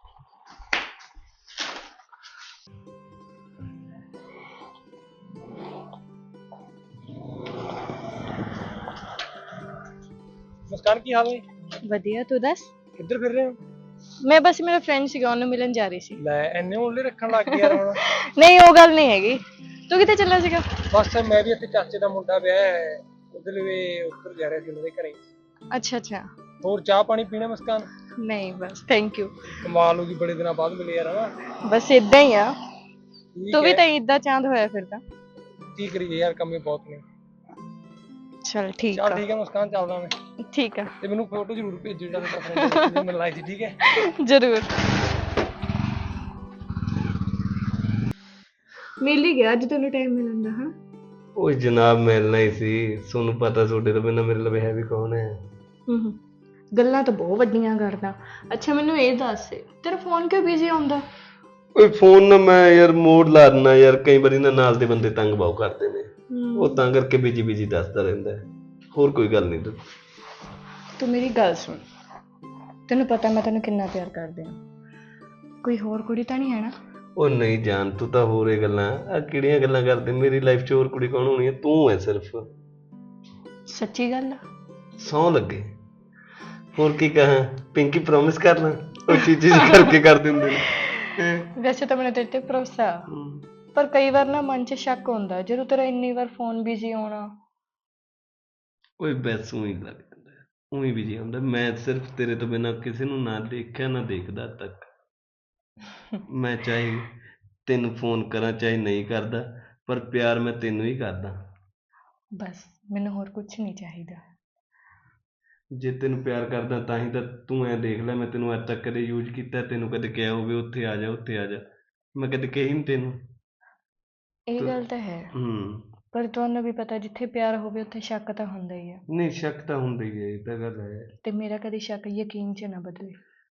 [SPEAKER 3] ਮੁਸਕਾਨ ਕੀ ਹਾਲ ਹੈ?
[SPEAKER 2] ਵਧੀਆ, ਤੂੰ ਦੱਸ।
[SPEAKER 3] ਕਿੱਧਰ ਫਿਰ ਰਹੇ ਹੋ?
[SPEAKER 2] ਮੈਂ ਬਸ ਮੇਰਾ ਫਰੈਂਡ ਸੀਗਾ, ਉਹਨੂੰ ਮਿਲਣ ਜਾ ਰਹੀ ਸੀ।
[SPEAKER 3] ਲੈ ਇੰਨੇ ਓਲੇ ਰੱਖਣ ਲੱਗ ਗਿਆ ਯਾਰ ਹੁਣ।
[SPEAKER 2] ਨਹੀਂ, ਉਹ ਗੱਲ ਨਹੀਂ ਹੈਗੀ। ਤੂੰ ਕਿੱਥੇ ਚੱਲਿਆ ਸੀਗਾ?
[SPEAKER 3] ਬਸ ਮੈਂ ਵੀ ਇੱਥੇ ਚਾਚੇ ਦਾ ਮੁੰਡਾ ਵਿਆਹ ਹੈ, ਉਧਰ ਵੀ ਉੱਧਰ ਜਾ ਰਿਹਾ ਸੀ ਉਹਨਾਂ ਦੇ ਘਰੇ।
[SPEAKER 2] ਅੱਛਾ ਅੱਛਾ।
[SPEAKER 3] ਹੋਰ ਚਾਹ ਪਾਣੀ ਪੀਣਾ ਮੁਸਕਾਨ?
[SPEAKER 2] ਨਹੀਂ ਬਸ, ਥੈਂਕ ਯੂ।
[SPEAKER 3] ਕਮਾਲ ਹੋ ਗਈ, ਬੜੇ ਦਿਨਾਂ ਬਾਅਦ ਮਿਲੇ ਯਾਰ ਹਨਾ।
[SPEAKER 2] ਬਸ ਇਦਾਂ ਹੀ ਆ,
[SPEAKER 3] ਠੀਕ
[SPEAKER 2] ਤੂੰ ਵੀ
[SPEAKER 3] ਹੈ।
[SPEAKER 2] ਤਾਂ ਏਦਾਂ ਚਾਂਦ ਹੋਇਆ ਫਿਰਦਾ।
[SPEAKER 3] ਕੀ ਕਰੀਏ ਯਾਰ, ਕੰਮੇ ਬਹੁਤ ਨੇ।
[SPEAKER 2] ਚਲ ਠੀਕ
[SPEAKER 3] ਚੱਲ
[SPEAKER 2] ਆ।
[SPEAKER 3] ਠੀਕ ਹੈ ਮੁਸਕਾਨ, ਚੱਲਦਾ ਮੈਂ।
[SPEAKER 2] ਠੀਕ ਆ।
[SPEAKER 3] ਤੇ ਮੈਨੂੰ ਫੋਟੋ ਜ਼ਰੂਰ ਭੇਜੋ ਜਿਹੜਾ ਤੁਹਾਡਾ ਫਰੈਂਡ ਮੈਨੂੰ ਲਾਈ ਸੀ, ਠੀਕ ਹੈ?
[SPEAKER 2] ਜ਼ਰੂਰ। ਮਿਲ ਹੀ ਗਿਆ ਅੱਜ ਤੈਨੂੰ ਟਾਈਮ ਮਿਲਣ ਦਾ। ਹਾਂ
[SPEAKER 4] ਉਹ ਜਨਾਬ ਮਿਲਣਾ ਹੀ ਸੀ, ਤੁਹਾਨੂੰ ਪਤਾ ਤੁਹਾਡੇ ਤੋਂ ਬਿਨਾਂ ਮੇਰੇ ਲਵੇ ਹੈ ਵੀ ਕੌਣ ਹੈ।
[SPEAKER 2] ਹੂੰ, ਗੱਲਾਂ ਤਾਂ ਬਹੁਤ ਵੱਡੀਆਂ ਕਰਦਾ। ਅੱਛਾ ਮੈਨੂੰ ਇਹ ਦੱਸ, ਤੇਰਾ ਫੋਨ ਕਿਉਂ ਬਿਜ਼ੀ ਆਉਂਦਾ?
[SPEAKER 4] ਓਏ ਫੋਨ ਨਾ ਮੈਂ ਯਾਰ ਮੋਡ ਲਾ ਦਿੰਦਾ ਯਾਰ, ਕਈ ਵਾਰੀ ਨਾ ਨਾਲ ਦੇ ਬੰਦੇ ਤੰਗ ਬਹੁਤ ਕਰਦੇ ਨੇ, ਉਹ ਤਾਂ ਕਰਕੇ ਬਿਜੀ ਬਿਜੀ ਦੱਸਦਾ ਰਹਿੰਦਾ ਹੈ। ਹੋਰ ਕੋਈ ਗੱਲ ਨਹੀਂ।
[SPEAKER 2] ਤੂੰ ਮੇਰੀ ਗੱਲ ਸੁਣ, ਤੈਨੂੰ ਪਤਾ ਮੈਂ ਤੈਨੂੰ ਕਿੰਨਾ ਪਿਆਰ ਕਰਦੀ ਹਾਂ। ਕੋਈ ਹੋਰ ਕੁੜੀ ਤਾਂ ਨਹੀਂ ਹੈ ਨਾ?
[SPEAKER 4] ਉਹ ਨਹੀਂ ਜਾਨ, ਤੂੰ ਤਾਂ ਹੋਰ ਇਹ ਗੱਲਾਂ ਆ ਕਿਹੜੀਆਂ ਗੱਲਾਂ ਕਰਦੇ, ਮੇਰੀ ਲਾਈਫ 'ਚ ਹੋਰ ਕੁੜੀ ਕੌਣ ਹੋਣੀ ਹੈ, ਤੂੰ ਹੈ ਸਿਰਫ।
[SPEAKER 2] ਸੱਚੀ ਗੱਲ ਆ?
[SPEAKER 4] ਸਹੁੰ ਲੱਗੇ। ਹੋਰ ਕੀ ਕਹਾਂ, ਪਿੰਕੀ ਪ੍ਰੋਮਿਸ ਕਰ ਲਾਂ, ਉਹ ਚੀਜ਼ ਕਰਕੇ ਕਰ ਦਿੰਦੇ ਨੇ।
[SPEAKER 2] ਵੈਸੇ ਤਾਂ ਮੈਨੂੰ ਤੇਰੇ ਤੇ ਭਰੋਸਾ, ਪਰ ਕਈ ਵਾਰ ਨਾ ਮਨ 'ਚ ਸ਼ੱਕ ਹੁੰਦਾ ਜਦੋਂ ਤੇਰਾ ਇੰਨੀ ਵਾਰ ਫੋਨ ਬਿਜ਼ੀ ਆਉਣਾ।
[SPEAKER 4] ਓਏ ਬਸ ਊਂ ਹੀ ਲੱਗ ਜਾਂਦਾ, ਊਂ ਹੀ ਬਿਜੀ ਹੁੰਦਾ। ਮੈਂ ਸਿਰਫ ਤੇਰੇ ਤੋਂ ਬਿਨਾਂ ਕਿਸੇ ਨੂੰ ਨਾ ਦੇਖਿਆ ਨਾ ਦੇਖਦਾ ਅੱਜ ਤੱਕ। ਮੈਂ ਚਾਹੇ ਤੈਨੂੰ ਫੋਨ ਕਰਾਂ ਚਾਹੇ ਨਹੀਂ ਕਰਦਾ, ਪਰ ਪਿਆਰ ਮੈਂ ਤੈਨੂੰ ਹੀ ਕਰਦਾ।
[SPEAKER 2] ਬਸ ਮੈਨੂੰ ਹੋਰ ਕੁਝ ਨਹੀਂ ਚਾਹੀਦਾ।
[SPEAKER 4] ਜੇ ਤੈਨੂੰ ਪਿਆਰ ਕਰਦਾ ਤਾਂ ਹੀ ਤਾਂ ਤੂੰ ਐਂ ਦੇਖ ਲੈ, ਮੈਂ ਤੈਨੂੰ ਅੱਜ ਤੱਕ ਕਦੇ ਯੂਜ਼ ਕੀਤਾ, ਤੈਨੂੰ ਕਦੇ ਕਿਹਾ ਹੋਵੇ ਉੱਥੇ ਆ ਜਾ ਉੱਥੇ ਆ ਜਾ, ਮੈਂ ਕਦੇ ਕਹੀ ਨਹੀਂ ਤੈਨੂੰ।
[SPEAKER 2] ਇਹ ਗੱਲ ਤਾਂ ਹੈ,
[SPEAKER 4] ਹੂੰ।
[SPEAKER 2] ਪਰ ਤੁਹਾਨੂੰ ਵੀ ਪਤਾ ਜਿੱਥੇ ਪਿਆਰ ਹੋਵੇ ਉੱਥੇ ਸ਼ੱਕ ਤਾਂ ਹੁੰਦਾ ਹੀ ਆ।
[SPEAKER 4] ਨਹੀਂ ਸ਼ੱਕ ਤਾਂ ਹੁੰਦਾ ਹੀ ਹੈ, ਇਹ ਤਾਂ ਗੱਲ ਹੈ।
[SPEAKER 2] ਤੇ ਮੇਰਾ ਕਦੇ ਸ਼ੱਕ ਯਕੀਨ 'ਚ ਨਾ ਬਦਲੇ।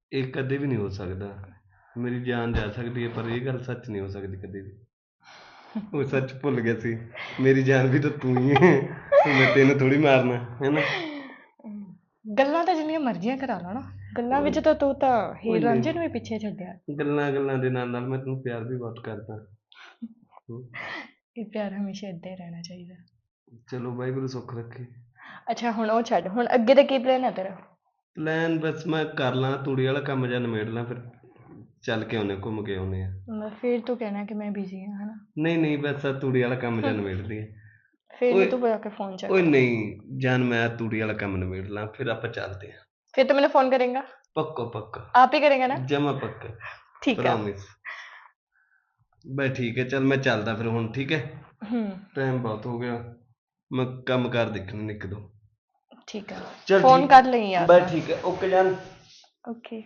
[SPEAKER 4] ਇਹ ਕਦੇ ਵੀ ਨਹੀਂ ਹੋ ਸਕਦਾ। ਮੇਰੀ ਜਾਨ ਜਾ ਸਕਦੀ ਹੈ ਪਰ ਇਹ ਗੱਲ ਸੱਚ ਨਹੀਂ ਹੋ ਸਕਦੀ ਕਦੇ ਵੀ। ਉਹ ਸੱਚ ਭੁੱਲ ਗਿਆ ਸੀ, ਮੇਰੀ ਜਾਨ ਵੀ ਤਾਂ ਤੂੰ ਹੀ ਹੈ, ਮੈਂ ਤੈਨੂੰ ਥੋੜੀ ਮਾਰਨਾ ਹੈ ਨਾ।
[SPEAKER 2] ਗੱਲਾਂ ਤਾਂ ਜਿੰਨੀਆਂ ਮਰਜ਼ੀਆਂ ਕਰਾ ਲਾ ਨਾ, ਗੱਲਾਂ ਵਿੱਚ ਤਾਂ ਤੂੰ ਤਾਂ ਹੀਰ ਰਾਂਝੇ ਨੂੰ ਵੀ ਪਿੱਛੇ ਛੱਡਿਆ।
[SPEAKER 4] ਗੱਲਾਂ ਗੱਲਾਂ ਦੇ ਨਾਲ ਨਾਲ ਮੈਂ ਤੈਨੂੰ ਪਿਆਰ ਵੀ ਬਹੁਤ ਕਰਦਾ। ਹਮ,
[SPEAKER 2] ਇਹ ਪਿਆਰ ਹਮੇਸ਼ਾ ਏਦਾਂ ਹੀ ਰਹਿਣਾ ਚਾਹੀਦਾ।
[SPEAKER 4] ਚਲੋ ਵਾਹਿਗੁਰੂ ਸੁੱਖ ਰੱਖੇ।
[SPEAKER 2] ਅੱਛਾ ਹੁਣ ਉਹ ਛੱਡ, ਹੁਣ ਅੱਗੇ ਦਾ ਕੀ ਪਲਾਨ ਹੈ ਤੇਰਾ?
[SPEAKER 4] ਪਲਾਨ ਬਸ ਮੈਂ ਕਰ ਲਾਂ, ਤੂੜੀ ਵਾਲਾ ਕੰਮ ਜਾਂ ਨਿਬੇੜ ਲਾਂ, ਫਿਰ ਚੱਲ ਕੇ ਆਉਨੇ, ਘੁੰਮ ਕੇ ਆਉਨੇ ਆ।
[SPEAKER 2] ਮੈਂ ਫਿਰ ਤੂੰ ਕਹਿਣਾ ਕਿ ਮੈਂ ਬਿਜ਼ੀ ਹਾਂ ਹਨਾ।
[SPEAKER 4] ਨਹੀਂ ਨਹੀਂ ਬਸ ਆਹ ਤੂੜੀ ਵਾਲਾ ਕੰਮ ਜਾਂ ਨਿਬੇੜਦੀ ਹੈ।
[SPEAKER 2] ਫਿਰ
[SPEAKER 4] ਓਏ-
[SPEAKER 2] ਵੀ ਤੂੰ ਬੁਲਾ ਕੇ ਫੋਨ ਚੱਕ।
[SPEAKER 4] ਓਏ ਨਹੀਂ ਜਾਨ, ਮੈਂ ਤੂੜੀ ਵਾਲਾ ਕੰਮ ਨਿਬੇੜ ਲਾਂ ਫਿਰ ਆਪਾਂ ਚੱਲਦੇ ਹਾਂ।
[SPEAKER 2] ਫਿਰ ਤੂੰ ਮੈਨੂੰ ਫੋਨ ਕਰੇਗਾ?
[SPEAKER 4] ਪੱਕਾ ਪੱਕਾ
[SPEAKER 2] ਆਪ ਹੀ ਕਰੇਗਾ ਨਾ?
[SPEAKER 4] ਜਮਾ ਪੱਕਾ
[SPEAKER 2] ਠੀਕ ਹੈ।
[SPEAKER 4] ਪ੍ਰੋਮਿਸ। ਬਈ ਠੀਕ ਹੈ, ਚੱਲ ਮੈਂ ਚੱਲਦਾ ਫਿਰ ਹੁਣ। ਠੀਕ ਹੈ,
[SPEAKER 2] ਹੂੰ
[SPEAKER 4] ਟਾਈਮ ਬਹੁਤ ਹੋ ਗਿਆ, ਮੈਂ ਕੰਮ ਕਾਰ ਦੇਖਣੇ ਨੇ ਇੱਕ ਦੋ।
[SPEAKER 2] ਠੀਕ ਹੈ,
[SPEAKER 4] ਚੱਲ
[SPEAKER 2] ਫੋਨ
[SPEAKER 4] ਠੀਕ-
[SPEAKER 2] ਕਰ ਲਈ ਯਾਰ।
[SPEAKER 4] ਬਸ ਠੀਕ ਹੈ, ਓਕੇ ਜਾਨ।
[SPEAKER 2] ਓਕੇ।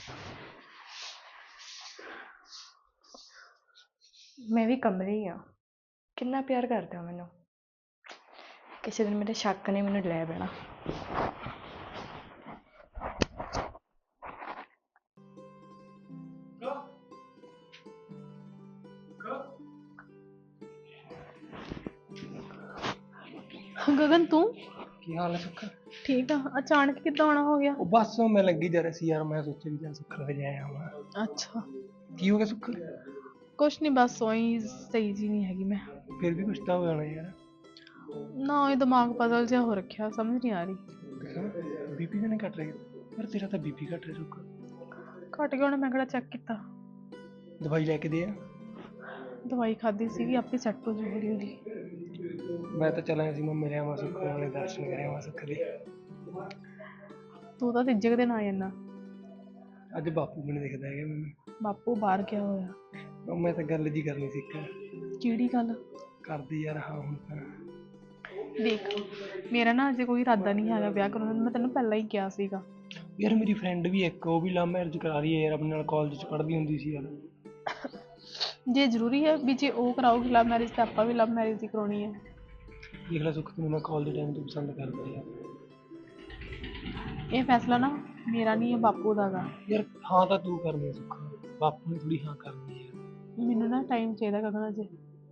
[SPEAKER 2] ਮੈਂ ਵੀ ਕਮਲੀ ਆ, ਕਿੰਨਾ ਪਿਆਰ ਕਰਦੇ ਹੋ ਮੈਨੂੰ। ਕਿਸੇ ਦਿਨ ਮੇਰੇ ਸ਼ੱਕ ਨੇ ਮੈਨੂੰ ਲੈ ਬਹਿਣਾ।
[SPEAKER 6] ਗਗਨ ਤੂੰ
[SPEAKER 3] ਕੀ ਹਾਲ ਹੈ ਸੁੱਖ?
[SPEAKER 6] ਠੀਕ ਆ? ਅਚਾਨਕ ਕਿੱਦਾਂ ਆਉਣਾ ਹੋ ਗਿਆ?
[SPEAKER 3] ਉਹ ਬਸ ਮੈਂ ਲੱਗੀ ਜਾ ਰਿਹਾ ਸੀ ਯਾਰ, ਮੈਂ ਸੋਚਿਆ ਵੀ ਚੱਲ ਸੁੱਖ ਲੈ ਜਾਇਆ ਆਵਾਂ।
[SPEAKER 6] ਅੱਛਾ,
[SPEAKER 3] ਕੀ ਹੋ ਗਿਆ ਸੁੱਖ?
[SPEAKER 6] ਕੁਛ ਨਹੀਂ, ਬਸ ਉਹੀ ਸਹੀ ਜੀ ਨਹੀਂ ਹੈਗੀ ਮੈਂ।
[SPEAKER 3] ਫਿਰ ਵੀ ਕੁਛ ਤਾਂ ਹੋ ਜਾਣਾ ਯਾਰ।
[SPEAKER 6] ਨਾ ਇਹ ਦਿਮਾਗ ਪਜ਼ਲ ਜਿਹਾ ਹੋ ਰੱਖਿਆ, ਸਮਝ ਨਹੀਂ ਆ ਰਹੀ।
[SPEAKER 3] ਬੀਪੀ ਤਾਂ ਨਹੀਂ ਘਟ ਰਿਹਾ ਯਾਰ? ਤੇਰਾ ਤਾਂ ਬੀਪੀ ਘਟ ਰਿਹਾ ਸੁੱਖ।
[SPEAKER 6] ਘਟ ਗਿਆ ਹੁਣ, ਮੈਂ ਕਿਹੜਾ ਚੈੱਕ ਕੀਤਾ।
[SPEAKER 3] ਦਵਾਈ ਲੈ ਕੇ ਦੇ ਆ।
[SPEAKER 6] ਦਵਾਈ ਖਾਧੀ ਸੀਗੀ, ਆਪੇ ਸੈੱਟ ਹੋ ਜੂ ਹੌਲੀ ਹੌਲੀ।
[SPEAKER 3] ਮੈਂ ਤਾਂ ਚੱਲਿਆ ਸੀ, ਮੈਂ ਮਿਲਿਆ ਆਵਾਂ ਸੁੱਖ ਨਾਲੇ ਦਰਸ਼ਨ ਕਰਿਆ ਆਵਾਂ ਸੁੱਖ ਦੇ।
[SPEAKER 6] ਤੂੰ ਤਾਂ ਤੀਜੇ ਕੁ ਦਿਨ ਆ ਜਾਂਦਾ।
[SPEAKER 3] ਅੱਜ ਬਾਪੂ ਵੀ ਨਹੀਂ ਦਿਖਦਾ ਹੈਗਾ ਮੈਨੂੰ।
[SPEAKER 6] ਬਾਪੂ ਬਾਹਰ ਗਿਆ ਹੋਇਆ।
[SPEAKER 3] ਉਹ ਮੈਂ ਤਾਂ ਗੱਲ ਜੀ ਕਰਨੀ ਸੀ ਇੱਕ।
[SPEAKER 6] ਕਿਹੜੀ ਗੱਲ?
[SPEAKER 3] ਕਰਦੀ ਯਾਰ ਹਾਂ ਹੁਣ ਤਾਂ।
[SPEAKER 6] ਦੇਖ, ਮੇਰਾ ਨਾ ਅਜੇ ਕੋਈ ਇਰਾਦਾ ਨਹੀਂ ਹੈਗਾ ਵਿਆਹ ਕਰਾਉਣ ਦਾ, ਮੈਂ ਤੈਨੂੰ ਪਹਿਲਾਂ ਹੀ ਕਿਹਾ ਸੀਗਾ।
[SPEAKER 3] ਯਾਰ ਮੇਰੀ ਫਰੈਂਡ ਵੀ ਇੱਕ, ਉਹ ਵੀ ਲਵ ਮੈਰਿਜ ਕਰਾ ਰਹੀ ਹੈ ਯਾਰ, ਆਪਣੇ ਨਾਲ ਕਾਲਜ 'ਚ ਪੜ੍ਹਦੀ ਹੁੰਦੀ ਸੀ ਯਾਰ।
[SPEAKER 6] ਜੇ ਜ਼ਰੂਰੀ ਹੈ ਵੀ ਜੇ ਉਹ ਕਰਾਊਗੀ ਲਵ ਮੈਰਿਜ ਤਾਂ ਆਪਾਂ ਵੀ ਲਵ ਮੈਰਿਜ ਹੀ ਕਰਾਉਣੀ ਹੈ।
[SPEAKER 3] ਦੇਖ ਲੈ ਸੁੱਖ, ਤੈਨੂੰ ਮੈਂ ਕਾਲਜ ਟਾਈਮ ਤੋਂ ਪਸੰਦ ਕਰਦਾ ਯਾਰ।
[SPEAKER 6] ਇਹ ਫੈਸਲਾ ਨਾ ਮੇਰਾ ਨਹੀਂ ਹੈ, ਬਾਪੂ ਦਾ ਗਾ।
[SPEAKER 3] ਯਾਰ ਹਾਂ ਤਾਂ ਤੂੰ ਕਰਨੀ ਹੈ ਸੁੱਖ, ਬਾਪੂ ਨੇ ਥੋੜੀ ਹਾਂ ਕਰਨੀ ਹੈ ਯਾਰ।
[SPEAKER 6] ਮੈਨੂੰ ਨਾ ਟਾਈਮ ਚਾਹੀਦਾ ਗਗਨ ਅਜੇ।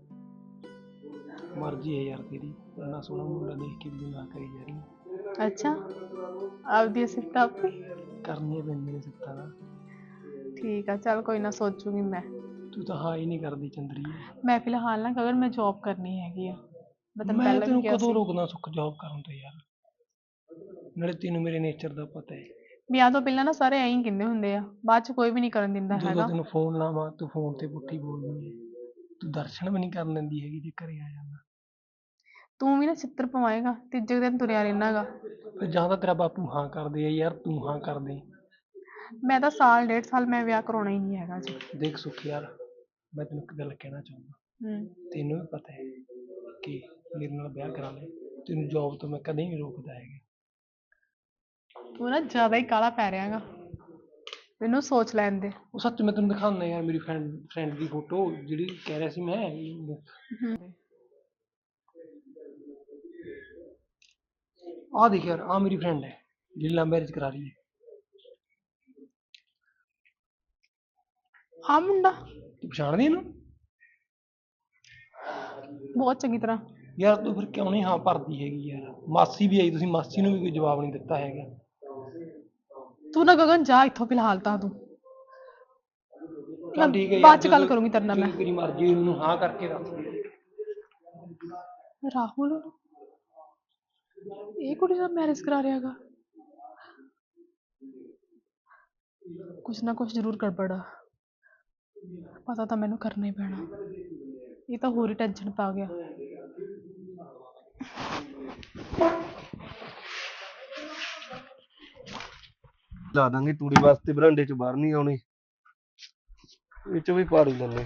[SPEAKER 3] ਮਰਜ਼ੀ ਹੈ ਯਾਰ ਤੇਰੀ, ਇੰਨਾ ਸੋਹਣਾ ਮੁੰਡਾ ਦੇਖ ਕੇ ਵੀ ਨਾ ਕਰੀ ਜਾ ਰਹੀ।
[SPEAKER 6] ਅੱਛਾ, ਆਪਦੀ ਸਿਫਤ ਆਪੇ
[SPEAKER 3] ਕਰਨੀਆਂ ਪੈਂਦੀਆਂ ਨੇ ਸਿੱਤਾਂ ਦਾ।
[SPEAKER 6] ਠੀਕ ਆ, ਚੱਲ ਕੋਈ ਨਾ, ਸੋਚੂਗੀ ਮੈਂ।
[SPEAKER 3] ਤੂੰ ਤਾਂ ਹਾਂ ਹੀ ਨਹੀਂ ਕਰਦੀ ਚੰਦਰੀ।
[SPEAKER 6] ਮੈਂ ਫਿਲਹਾਲ ਨਾ ਗਗਨ ਮੈਂ ਜੌਬ ਕਰਨੀ ਹੈਗੀ ਆ। ਮੈਂ ਤੈਨੂੰ
[SPEAKER 3] ਮੈਂ
[SPEAKER 6] ਪਹਿਲਾਂ ਵੀ
[SPEAKER 3] ਤੈਨੂੰ
[SPEAKER 6] ਕਿਹਾ
[SPEAKER 3] ਕਦੋਂ
[SPEAKER 6] ਸੀ।
[SPEAKER 3] ਰੋਕਦਾ ਸੁੱਖ ਜੌਬ ਕਰਨ ਤੋਂ ਯਾਰ? ਨਾਲੇ ਤੈਨੂੰ ਮੇਰੇ ਨੇਚਰ ਦਾ ਪਤਾ ਹੈ।
[SPEAKER 6] ਵਿਆਹ ਤੋਂ ਪਹਿਲਾਂ ਨਾ ਸਾਰੇ ਐਂ ਹੀ ਕਹਿੰਦੇ ਹੁੰਦੇ ਆ, ਬਾਅਦ ਚ ਕੋਈ ਵੀ ਨਹੀਂ ਕਰਨ ਦਿੰਦਾ
[SPEAKER 3] ਜਦੋਂ
[SPEAKER 6] ਹੈਗਾ।
[SPEAKER 3] ਤੈਨੂੰ ਫੋਨ ਲਾਵਾਂ ਤੂੰ ਫੋਨ ਤੇ ਪੁੱਠੀ ਬੋਲਦੀ ਹੈ। ਤੂੰ ਦਰਸ਼ਨ ਵੀ ਨਹੀਂ ਕਰਨ ਦਿੰਦੀ ਹੈਗੀ ਜੇ ਘਰੇ ਆ ਜਾਂਦਾ।
[SPEAKER 6] ਤੂੰ ਵੀ ਨਾ ਛਿੱਤਰ ਪਵਾਏਗਾ, ਤੀਜੇ ਦਿਨ ਤੁਰਿਆ ਰਹਿਣਾਗਾ।
[SPEAKER 3] ਫਿਰ ਜਾਂ ਤਾਂ ਤੇਰਾ ਬਾਪੂ ਹਾਂ ਕਰਦੇ ਆ ਯਾਰ, ਤੂੰ ਹਾਂ ਕਰਦੇ।
[SPEAKER 6] ਮੈਂ ਤਾਂ ਸਾਲ ਡੇਢ ਸਾਲ ਮੈਂ ਵਿਆਹ ਕਰਾਉਣਾ ਹੀ ਨਹੀਂ ਹੈਗਾ ਜੀ।
[SPEAKER 3] ਦੇਖ ਸੁੱਖ ਯਾਰ, ਮੈਂ ਤੈਨੂੰ ਇੱਕ ਗੱਲ ਕਹਿਣਾ ਚਾਹੁੰਦਾ।
[SPEAKER 6] ਹੂੰ।
[SPEAKER 3] ਤੈਨੂੰ ਵੀ ਪਤਾ ਹੈ ਕਿ ਮੇਰੇ ਨਾਲ ਵਿਆਹ ਕਰਾ ਲੈ, ਤੈਨੂੰ ਜੌਬ ਤੋਂ ਮੈਂ ਕਦੇ ਨਹੀਂ ਰੋਕਦਾ ਹੈਗਾ।
[SPEAKER 6] ਤੂੰ ਨਾ ਜ਼ਿਆਦਾ ਹੀ ਕਾਹਲਾ ਪੈ ਰਿਹਾਗਾ, ਮੈਨੂੰ ਸੋਚ ਲੈਣ ਦੇ।
[SPEAKER 3] ਉਹ ਸੱਚ ਮੈਂ ਤੈਨੂੰ ਦਿਖਾਉਂਦਾ ਯਾਰ, ਮੇਰੀ ਫਰੈਂਡ ਫਰੈਂਡ ਦੀ ਫੋਟੋ ਜਿਹੜੀ ਕਹਿ ਰਿਹਾ ਸੀ ਮੈਂ। ਆਹ ਦੇਖ ਯਾਰ, ਆਹ ਮੇਰੀ ਫਰੈਂਡ ਹੈ ਜਿਹੜੀ ਲਵ ਮੈਰਿਜ ਕਰਾ ਰਹੀ ਹੈ।
[SPEAKER 6] ਹਾਂ ਮੁੰਡਾ
[SPEAKER 3] ਤੂੰ ਪਛਾਣਦੀ ਇਹਨੂੰ?
[SPEAKER 6] ਬਹੁਤ ਚੰਗੀ ਤਰ੍ਹਾਂ।
[SPEAKER 3] ਯਾਰ ਤੂੰ ਫਿਰ ਕਿਉਂ ਨਹੀਂ ਹਾਂ ਭਰਦੀ ਹੈਗੀ ਯਾਰ? ਮਾਸੀ ਵੀ ਆਈ, ਤੁਸੀਂ ਮਾਸੀ ਨੂੰ ਵੀ ਕੋਈ ਜਵਾਬ ਨਹੀਂ ਦਿੱਤਾ ਹੈਗਾ।
[SPEAKER 6] ਤੂੰ ਨਾ ਗਗਨ ਜਾ ਇੱਥੋਂ ਫਿਲਹਾਲ ਤਾਂ ਤੂੰ।
[SPEAKER 3] ਚੱਲ ਠੀਕ ਹੈ ਯਾਰ,
[SPEAKER 6] ਬਾਅਦ ਚ ਗੱਲ
[SPEAKER 3] ਜਦੋਂ-
[SPEAKER 6] ਕਰੂੰਗੀ ਤੇਰੇ ਨਾਲ ਮੈਂ।
[SPEAKER 3] ਜਦੋਂ ਤੇਰੀ ਮਰਜ਼ੀ ਹੋਈ ਮੈਨੂੰ ਹਾਂ ਕਰਕੇ ਦੱਸ ਦੇ।
[SPEAKER 6] ਰਾਹੁਲ, ਇਹ ਕੁੜੀ ਨਾਲ ਮੈਰਿਜ ਕਰਾ ਰਿਹਾ ਹੈਗਾ। ਕੁਛ ਨਾ ਕੁਛ ਜ਼ਰੂਰ ਗੜਬੜ ਆ, ਪਤਾ ਤਾਂ ਮੈਨੂੰ ਕਰਨਾ ਹੀ ਪੈਣਾ। ਇਹ ਤਾਂ ਹੋਰ ਹੀ ਟੈਨਸ਼ਨ ਪਾ ਗਿਆ।
[SPEAKER 4] ਲਾ ਦਾਂਗੇ ਤੂੜੀ ਵਾਸਤੇ, ਬਰਾਂਡੇ ਚ ਬਾਹਰ ਨਹੀਂ ਆਉਣੀ, ਇਹ ਚ ਵੀ ਪਾੜੀ ਲੈਂਦੇ।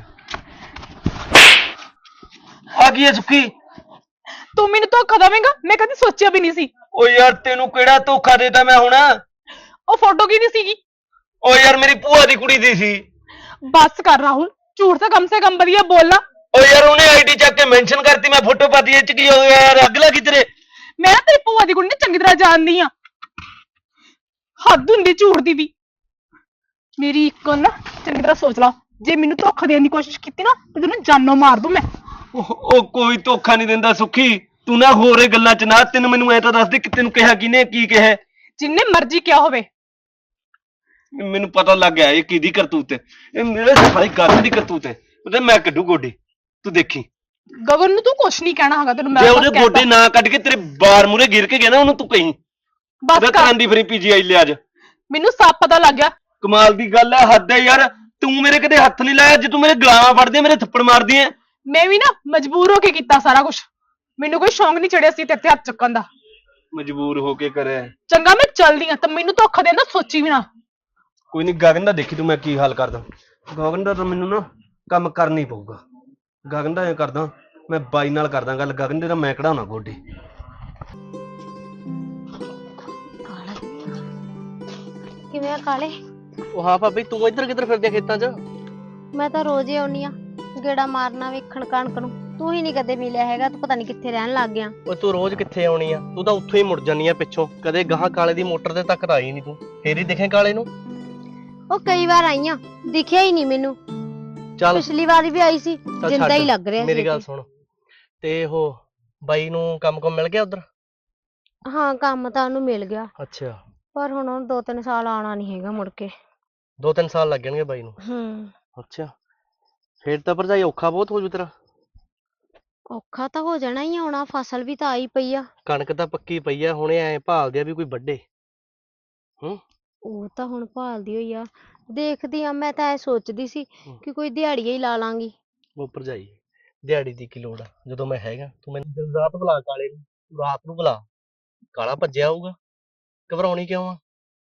[SPEAKER 4] ਆ ਕੀ ਹੈ ਸੁੱਕੀ?
[SPEAKER 6] ਤੂੰ ਮੈਨੂੰ ਧੋਖਾ ਦੇਵੇਂਗਾ? ਮੈਂ ਕਦੀ ਸੋਚਿਆ ਵੀ ਨਹੀਂ ਸੀ।
[SPEAKER 4] ਓ ਯਾਰ ਤੈਨੂੰ ਕਿਹੜਾ ਧੋਖਾ ਦੇਤਾ ਮੈਂ ਹੁਣ?
[SPEAKER 6] ਉਹ ਫੋਟੋ ਕਿਹਦੀ ਸੀਗੀ?
[SPEAKER 4] ਓ ਯਾਰ ਮੇਰੀ ਭੂਆ ਦੀ ਕੁੜੀ ਦੀ ਸੀ।
[SPEAKER 6] ਬਸ ਕਰ ਰਾਹੁਲ, ਝੂਠ ਤਾਂ ਕਮ ਸੇ ਕਮ ਵਧੀਆ ਬੋਲਣਾ।
[SPEAKER 4] ਓ ਯਾਰ ਉਹਨੇ ਆਈਡੀ ਚੱਕ ਕੇ ਮੈਂਸ਼ਨ ਕਰਤੀ, ਮੈਂ ਫੋਟੋ ਪਾਤੀ, ਇਹ ਚ ਕੀ ਹੋ ਗਿਆ ਯਾਰ? ਅੱਗ ਲੱਗੀ ਤੇਰੇ?
[SPEAKER 6] ਮੈਂ ਨਾ ਤੇਰੀ ਭੂਆ ਦੀ ਕੁੜੀ ਨੂੰ ਚੰਗੀ ਤਰ੍ਹਾਂ ਜਾਣਦੀ ਆ। ਹੱਦ ਹੁੰਦੀ ਝੂਠ ਦੀ ਵੀ। ਮੇਰੀ ਇੱਕ ਗੱਲ ਨਾ ਚੰਗੀ ਤਰ੍ਹਾਂ ਸੋਚ ਲਾ, ਜੇ ਮੈਨੂੰ ਧੋਖਾ ਦੇਣ ਦੀ ਕੋਸ਼ਿਸ਼ ਕੀਤੀ ਨਾ ਤੇ ਤੈਨੂੰ ਜਾਨੋਂ ਮਾਰ ਦੂੰ ਮੈਂ।
[SPEAKER 4] ਉਹ ਉਹ ਕੋਈ ਧੋਖਾ ਨਹੀਂ ਦਿੰਦਾ ਸੁੱਖੀ, ਤੂੰ ਨਾ ਹੋਰ ਇਹ ਗੱਲਾਂ ਚ ਨਾ, ਤੈਨੂੰ ਮੈਨੂੰ ਐ ਤਾਂ ਦੱਸ ਦੇ ਕਿ ਤੈਨੂੰ ਕਿਹਾ ਕਿਨੇ, ਕੀ ਕਿਹਾ?
[SPEAKER 6] ਜਿੰਨੇ ਮਰਜ਼ੀ ਕਿਹਾ ਹੋਵੇ।
[SPEAKER 4] ਮੈਨੂੰ ਪਤਾ ਲੱਗ ਗਿਆ ਇਹ ਕਿਹਦੀ ਕਰਤੂਤ ਹੈ, ਇਹ ਮੇਰੇ ਸਾਰੀ ਗੱਲ ਦੀ ਕਰਤੂਤ ਹੈ। ਉਹਦੇ ਮੈਂ ਕੱਢੂ ਗੋਡੇ, ਤੂੰ ਦੇਖੀ।
[SPEAKER 6] ਗਗਨ ਨੂੰ ਤੂੰ ਕੁਛ ਨਹੀਂ ਕਹਿਣਾ ਹੈਗਾ, ਤੈਨੂੰ ਮੈਂ
[SPEAKER 4] ਜੇ
[SPEAKER 6] ਬਸ
[SPEAKER 4] ਉਹਦੇ
[SPEAKER 6] ਕਹਿ
[SPEAKER 4] ਗੋਡੇ
[SPEAKER 6] ਤਾ।
[SPEAKER 4] ਨਾ ਕੱਢ ਕੇ ਤੇਰੇ ਬਾਰ ਮੂਰੇ ਗਿਰ ਕੇ ਗਿਆ ਨਾ, ਉਹਨੂੰ ਤੂੰ ਕਹੀਂ
[SPEAKER 6] ਬਸ
[SPEAKER 4] ਉਹਦਾ
[SPEAKER 6] ਕਰ,
[SPEAKER 4] ਕਰਨ ਦੀ ਫਰੀ ਪੀਜੀਆਈ ਲਿਆ ਅੱਜ।
[SPEAKER 6] ਮੈਨੂੰ ਸਭ ਪਤਾ ਲੱਗ ਗਿਆ।
[SPEAKER 4] ਕਮਾਲ ਦੀ ਗੱਲ ਹੈ, ਹੱਦ ਹੈ ਯਾਰ। ਤੂੰ ਮੇਰੇ ਕਦੇ ਹੱਥ ਨਹੀਂ ਲਾਇਆ, ਜੇ ਤੂੰ ਮੇਰੇ ਗਲਾਵਾਂ ਫੜਦੀ, ਮੇਰੇ ਥੱਪੜ ਮਾਰਦੀ ਐ।
[SPEAKER 6] ਮੈਂ ਵੀ ਨਾ ਮਜਬੂਰ ਹੋ ਕੇ ਕੀਤਾ ਸਾਰਾ ਕੁਝ, ਮੈਨੂੰ ਕੋਈ ਸ਼ੌਂਕ ਨਹੀਂ ਚੜਿਆ ਸੀ ਤੇਰੇ ਤੇ ਹੱਥ ਚੱਕਣ ਦਾ।
[SPEAKER 4] ਮਜਬੂਰ ਹੋ ਕੇ ਕਰਿਆ।
[SPEAKER 6] ਚੰਗਾ ਮੈਂ ਚੱਲਦੀ ਆ, ਤੇ ਮੈਨੂੰ ਧੋਖਾ ਦੇਣ ਦਾ ਸੋਚੀ ਵੀ ਨਾ।
[SPEAKER 4] ਕੋਈ ਨਹੀਂ, ਗਗਨ ਦਾ ਦੇਖੀ ਤੂੰ ਮੈਂ ਕੀ ਹਾਲ ਕਰਦਾ। ਗਗਨ ਦਾ ਤਾਂ ਮੈਨੂੰ ਨਾ ਕੰਮ ਕਰਨਾ ਹੀ ਪਊਗਾ। ਗਗਨ ਦਾ ਐ ਕਰਦਾ, ਮੈਂ ਬਾਈ ਨਾਲ ਕਰਦਾ ਗੱਲ, ਗਗਨ ਦੇ ਤਾਂ ਮੈਂ ਕਢਾਉਣਾ ਗੋਡੇ।
[SPEAKER 7] ਕਿਵੇਂ ਆ ਕਾਲੇ?
[SPEAKER 5] ਉਹ ਹਾਂ ਭਾਬੀ, ਤੂੰ ਇੱਧਰ ਕਿੱਧਰ ਫਿਰਦੀ ਖੇਤਾਂ 'ਚ?
[SPEAKER 7] ਮੈਂ ਤਾਂ ਰੋਜ਼ ਹੀ ਆਉਣੀ ਆ ਗੇੜਾ ਮਾਰਨਾ, ਵੇਖਣ ਕਣਕ ਨੂੰ। ਤੂੰ ਹੀ ਨਹੀਂ ਕਦੇ ਮਿਲਿਆ ਹੈਗਾ, ਤੂੰ ਪਤਾ ਨਹੀਂ ਕਿੱਥੇ ਰਹਿਣ ਲੱਗ ਗਿਆ।
[SPEAKER 5] ਓਏ ਤੂੰ ਰੋਜ਼ ਕਿੱਥੇ ਆਉਣੀ ਆ, ਤੂੰ ਤਾਂ ਉੱਥੋਂ ਹੀ ਮੁੜ ਜਾਨੀ ਆ ਪਿੱਛੋਂ, ਕਦੇ ਗਾਹਾਂ ਕਾਲੇ ਦੀ ਮੋਟਰ ਤੇ ਤੱਕ ਤਾਂ ਆਈ ਨਹੀਂ ਤੂੰ। ਫੇਰ ਹੀ ਦਿਖੇ ਕਾਲੇ ਨੂੰ।
[SPEAKER 7] ਉਹ ਕਈ ਵਾਰ ਆਈ ਆ, ਦਿਖਿਆ ਹੀ ਨਹੀਂ ਮੈਨੂੰ।
[SPEAKER 5] ਚੱਲ
[SPEAKER 7] ਪਿਛਲੀ ਵਾਰੀ ਵੀ ਆਈ ਸੀ,
[SPEAKER 5] ਚੱਲ
[SPEAKER 7] ਜਿੰਦਾ ਹੀ
[SPEAKER 5] ਛੱਡ,
[SPEAKER 7] ਲੱਗ ਰਿਹਾ ਸੀ।
[SPEAKER 5] ਮੇਰੀ ਗੱਲ ਸੁਣ, ਤੇ ਉਹ ਬਾਈ ਨੂੰ ਕੰਮ ਕੰਮ ਮਿਲ ਗਿਆ ਉਧਰ?
[SPEAKER 7] ਹਾਂ, ਕੰਮ ਤਾਂ ਉਹਨੂੰ ਮਿਲ ਗਿਆ,
[SPEAKER 5] ਅੱਛਾ,
[SPEAKER 7] ਪਰ ਹੁਣ ਉਹਨੂੰ ਦੋ ਤਿੰਨ ਸਾਲ ਆਉਣਾ ਨਹੀਂ ਹੈਗਾ ਮੁੜ ਕੇ।
[SPEAKER 5] ਦੋ ਤਿੰਨ ਸਾਲ ਲੱਗਣਗੇ ਬਾਈ ਨੂੰ?
[SPEAKER 7] ਹੂੰ।
[SPEAKER 5] ਅੱਛਾ, ਫੇਰ ਤਾਂ ਭਰਜਾਈ ਔਖਾ ਬਹੁਤ ਹੋ ਜੂ ਤੇਰਾ।
[SPEAKER 7] ਔਖਾ ਤਾਂ ਹੋ ਜਾਣਾ ਹੀ ਆ, ਆਉਣਾ ਫਸਲ ਵੀ ਤਾਂ ਆਈ ਪਈ ਆ।
[SPEAKER 5] ਕਣਕ ਤਾਂ ਪੱਕੀ ਪਈ ਆ, ਹੁਣੇ ਐ ਭਾਲਦੇ ਆ ਵੀ ਕੋਈ ਵੱਢੇ। ਹੂੰ।
[SPEAKER 7] ਉਹ ਤਾਂ ਹੁਣ ਭਾਲਦੀ ਹੋਈ ਆ, ਦੇਖਦੀ ਆ। ਮੈਂ ਤਾਂ ਐ ਸੋਚਦੀ ਸੀ ਕਿ ਕੋਈ ਦਿਹਾੜੀਆ ਹੀ ਲਾ ਲਾਂਗੀ।
[SPEAKER 5] ਉਹ ਭਰਜਾਈ, ਦਿਹਾੜੀ ਦੀ ਕੀ ਲੋੜ ਆ, ਜਦੋਂ ਮੈਂ ਹੈਗਾ। ਤੂੰ ਮੈਨੂੰ ਦਿਨ ਰਾਤ ਬੁਲਾ ਕਾਲੇ ਨੂੰ, ਤੂੰ ਰਾਤ ਨੂੰ ਬੁਲਾ, ਕਾਲਾ ਭੱਜਿਆ ਆਊਗਾ। ਘਬਰਾਉਣੀ ਕਿਉਂ ਆ?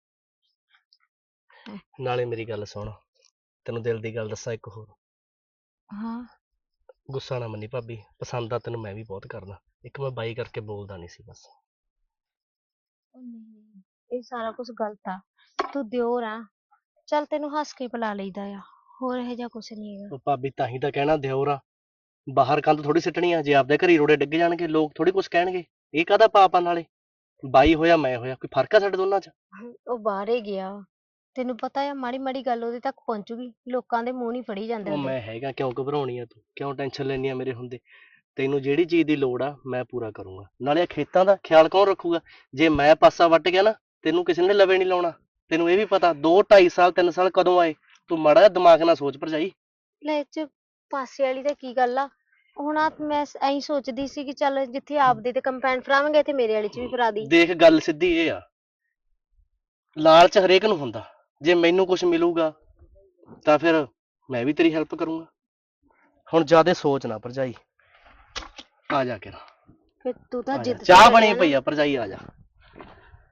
[SPEAKER 5] ਨਾਲੇ ਮੇਰੀ ਗੱਲ ਸੁਣ, ਤੈਨੂੰ ਦਿਲ ਦੀ ਗੱਲ ਦੱਸਾਂ ਇੱਕ ਹੋਰ।
[SPEAKER 7] ਹਾਂ।
[SPEAKER 5] ਗੁੱਸਾ ਨਾ ਮੰਨੀ ਭਾਬੀ, ਪਸੰਦ ਆ ਤੈਨੂੰ ਮੈਂ ਵੀ ਬਹੁਤ ਕਰਦਾ। ਇੱਕ ਮੈਂ ਬਾਈ ਕਰਕੇ ਬੋਲਦਾ ਨਹੀਂ ਸੀ ਬਸ।
[SPEAKER 7] ਉਹ ਨਹੀਂ, ਇਹ ਸਾਰਾ ਕੁਝ ਗਲਤ ਆ। ਤੂੰ ਦਿਓਰ ਆ, ਚੱਲ ਤੈਨੂੰ ਹੱਸ ਕੇ ਬੁਲਾ ਲਈਦਾ ਆ, ਹੋਰ ਇਹੋ ਜਿਹਾ ਕੁਛ ਨਹੀਂ ਹੈਗਾ।
[SPEAKER 5] ਉਹ ਭਾਬੀ ਤਾਂ ਹੀ ਤਾਂ ਕਹਿਣਾ ਦਿਓਰ ਆ, ਬਾਹਰ ਕੰਧ ਥੋੜੀ ਸਿੱਟਣੀ ਆ। ਜੇ ਆਪਦੇ ਘਰੀ ਰੋੜੇ ਡਿੱਗ ਜਾਣਗੇ, ਲੋਕ ਥੋੜੀ ਕੁਛ ਕਹਿਣਗੇ। ਇਹ ਕਾਹਦਾ ਪਾਪ ਆ? ਨਾਲੇ ਬਾਈ ਹੋਇਆ ਮੈਂ ਹੋਇਆ, ਕੋਈ ਫਰਕ ਆ ਸਾਡੇ ਦੋਨਾਂ 'ਚ?
[SPEAKER 7] ਉਹ ਬਾਹਰ ਹੀ ਗਿਆ, ਤੈਨੂੰ ਪਤਾ ਆ, ਮਾੜੀ ਮਾੜੀ ਗੱਲ ਉਹਦੇ ਤੱਕ ਪਹੁੰਚੂਗੀ, ਲੋਕਾਂ ਦੇ ਮੂੰਹ ਨਹੀਂ ਫੜੀ ਜਾਂਦੇ
[SPEAKER 5] ਉਹ
[SPEAKER 7] ਹੁੰਦੇ।
[SPEAKER 5] ਮੈਂ ਹੈਗਾ, ਕਿਉਂ ਘਬਰਾਉਣੀ ਆ ਤੂੰ? ਕਿਉਂ ਟੈਨਸ਼ਨ ਲੈਣੀ ਆ ਮੇਰੇ ਹੁੰਦੇ? ਤੈਨੂੰ ਜਿਹੜੀ ਚੀਜ਼ ਦੀ ਲੋੜ ਆ ਮੈਂ ਪੂਰਾ ਕਰੂੰਗਾ। ਨਾਲੇ ਇਹ ਖੇਤਾਂ ਦਾ ਖਿਆਲ ਕੌਣ ਰੱਖੂਗਾ? ਜੇ ਮੈਂ ਪਾਸਾ ਵੱਟ ਗਿਆ ਨਾ, ਤੈਨੂੰ ਕਿਸੇ ਨੇ ਲਵੇ ਨਹੀਂ ਲਾਉਣਾ। ਤੈਨੂੰ ਇਹ ਵੀ ਪਤਾ, ਦੋ ਢਾਈ ਸਾਲ ਤਿੰਨ ਸਾਲ ਕਦੋਂ ਆਏ? ਤੂੰ ਮਾੜਾ ਜਿਹਾ ਦਿਮਾਗ ਨਾਲ ਸੋਚ ਭਰਜਾਈ।
[SPEAKER 7] ਲੈ, ਇਹ 'ਚ ਪਾਸੇ ਵਾਲੀ ਤਾਂ ਕੀ ਗੱਲ ਆ? ਹੁਣ ਆ ਮੈਂ ਐਂ ਸੋਚਦੀ ਸੀ ਕਿ ਚੱਲ ਜਿੱਥੇ ਆਪਦੇ ਤੇ ਕੰਪੈਨ ਫਰਾਵਾਂਗੇ, ਇੱਥੇ ਮੇਰੇ ਵਾਲੀ 'ਚ ਵੀ ਫਰਾ ਦੀ।
[SPEAKER 5] ਦੇਖ, ਗੱਲ ਸਿੱਧੀ ਇਹ ਆ, ਲਾਲਚ ਹਰੇਕ ਨੂੰ ਹੁੰਦਾ। ਜੇ ਮੈਨੂੰ ਕੁਝ ਮਿਲੂਗਾ ਤਾਂ ਫਿਰ ਮੈਂ ਵੀ ਤੇਰੀ ਹੈਲਪ ਕਰੂੰਗਾ। ਹੁਣ ਜ਼ਿਆਦਾ ਸੋਚ ਨਾ ਭਰਜਾਈ, ਆ ਜਾ ਕੇ
[SPEAKER 7] ਫਿਰ ਤੂੰ ਤਾਂ ਜਿੱਦ ਤੇ
[SPEAKER 5] ਚਾਹ
[SPEAKER 7] ਚੜਿਆ
[SPEAKER 5] ਬਣੀ
[SPEAKER 7] ਨਾ।
[SPEAKER 5] ਪਈ ਆ ਭਰਜਾਈ, ਆ ਜਾ।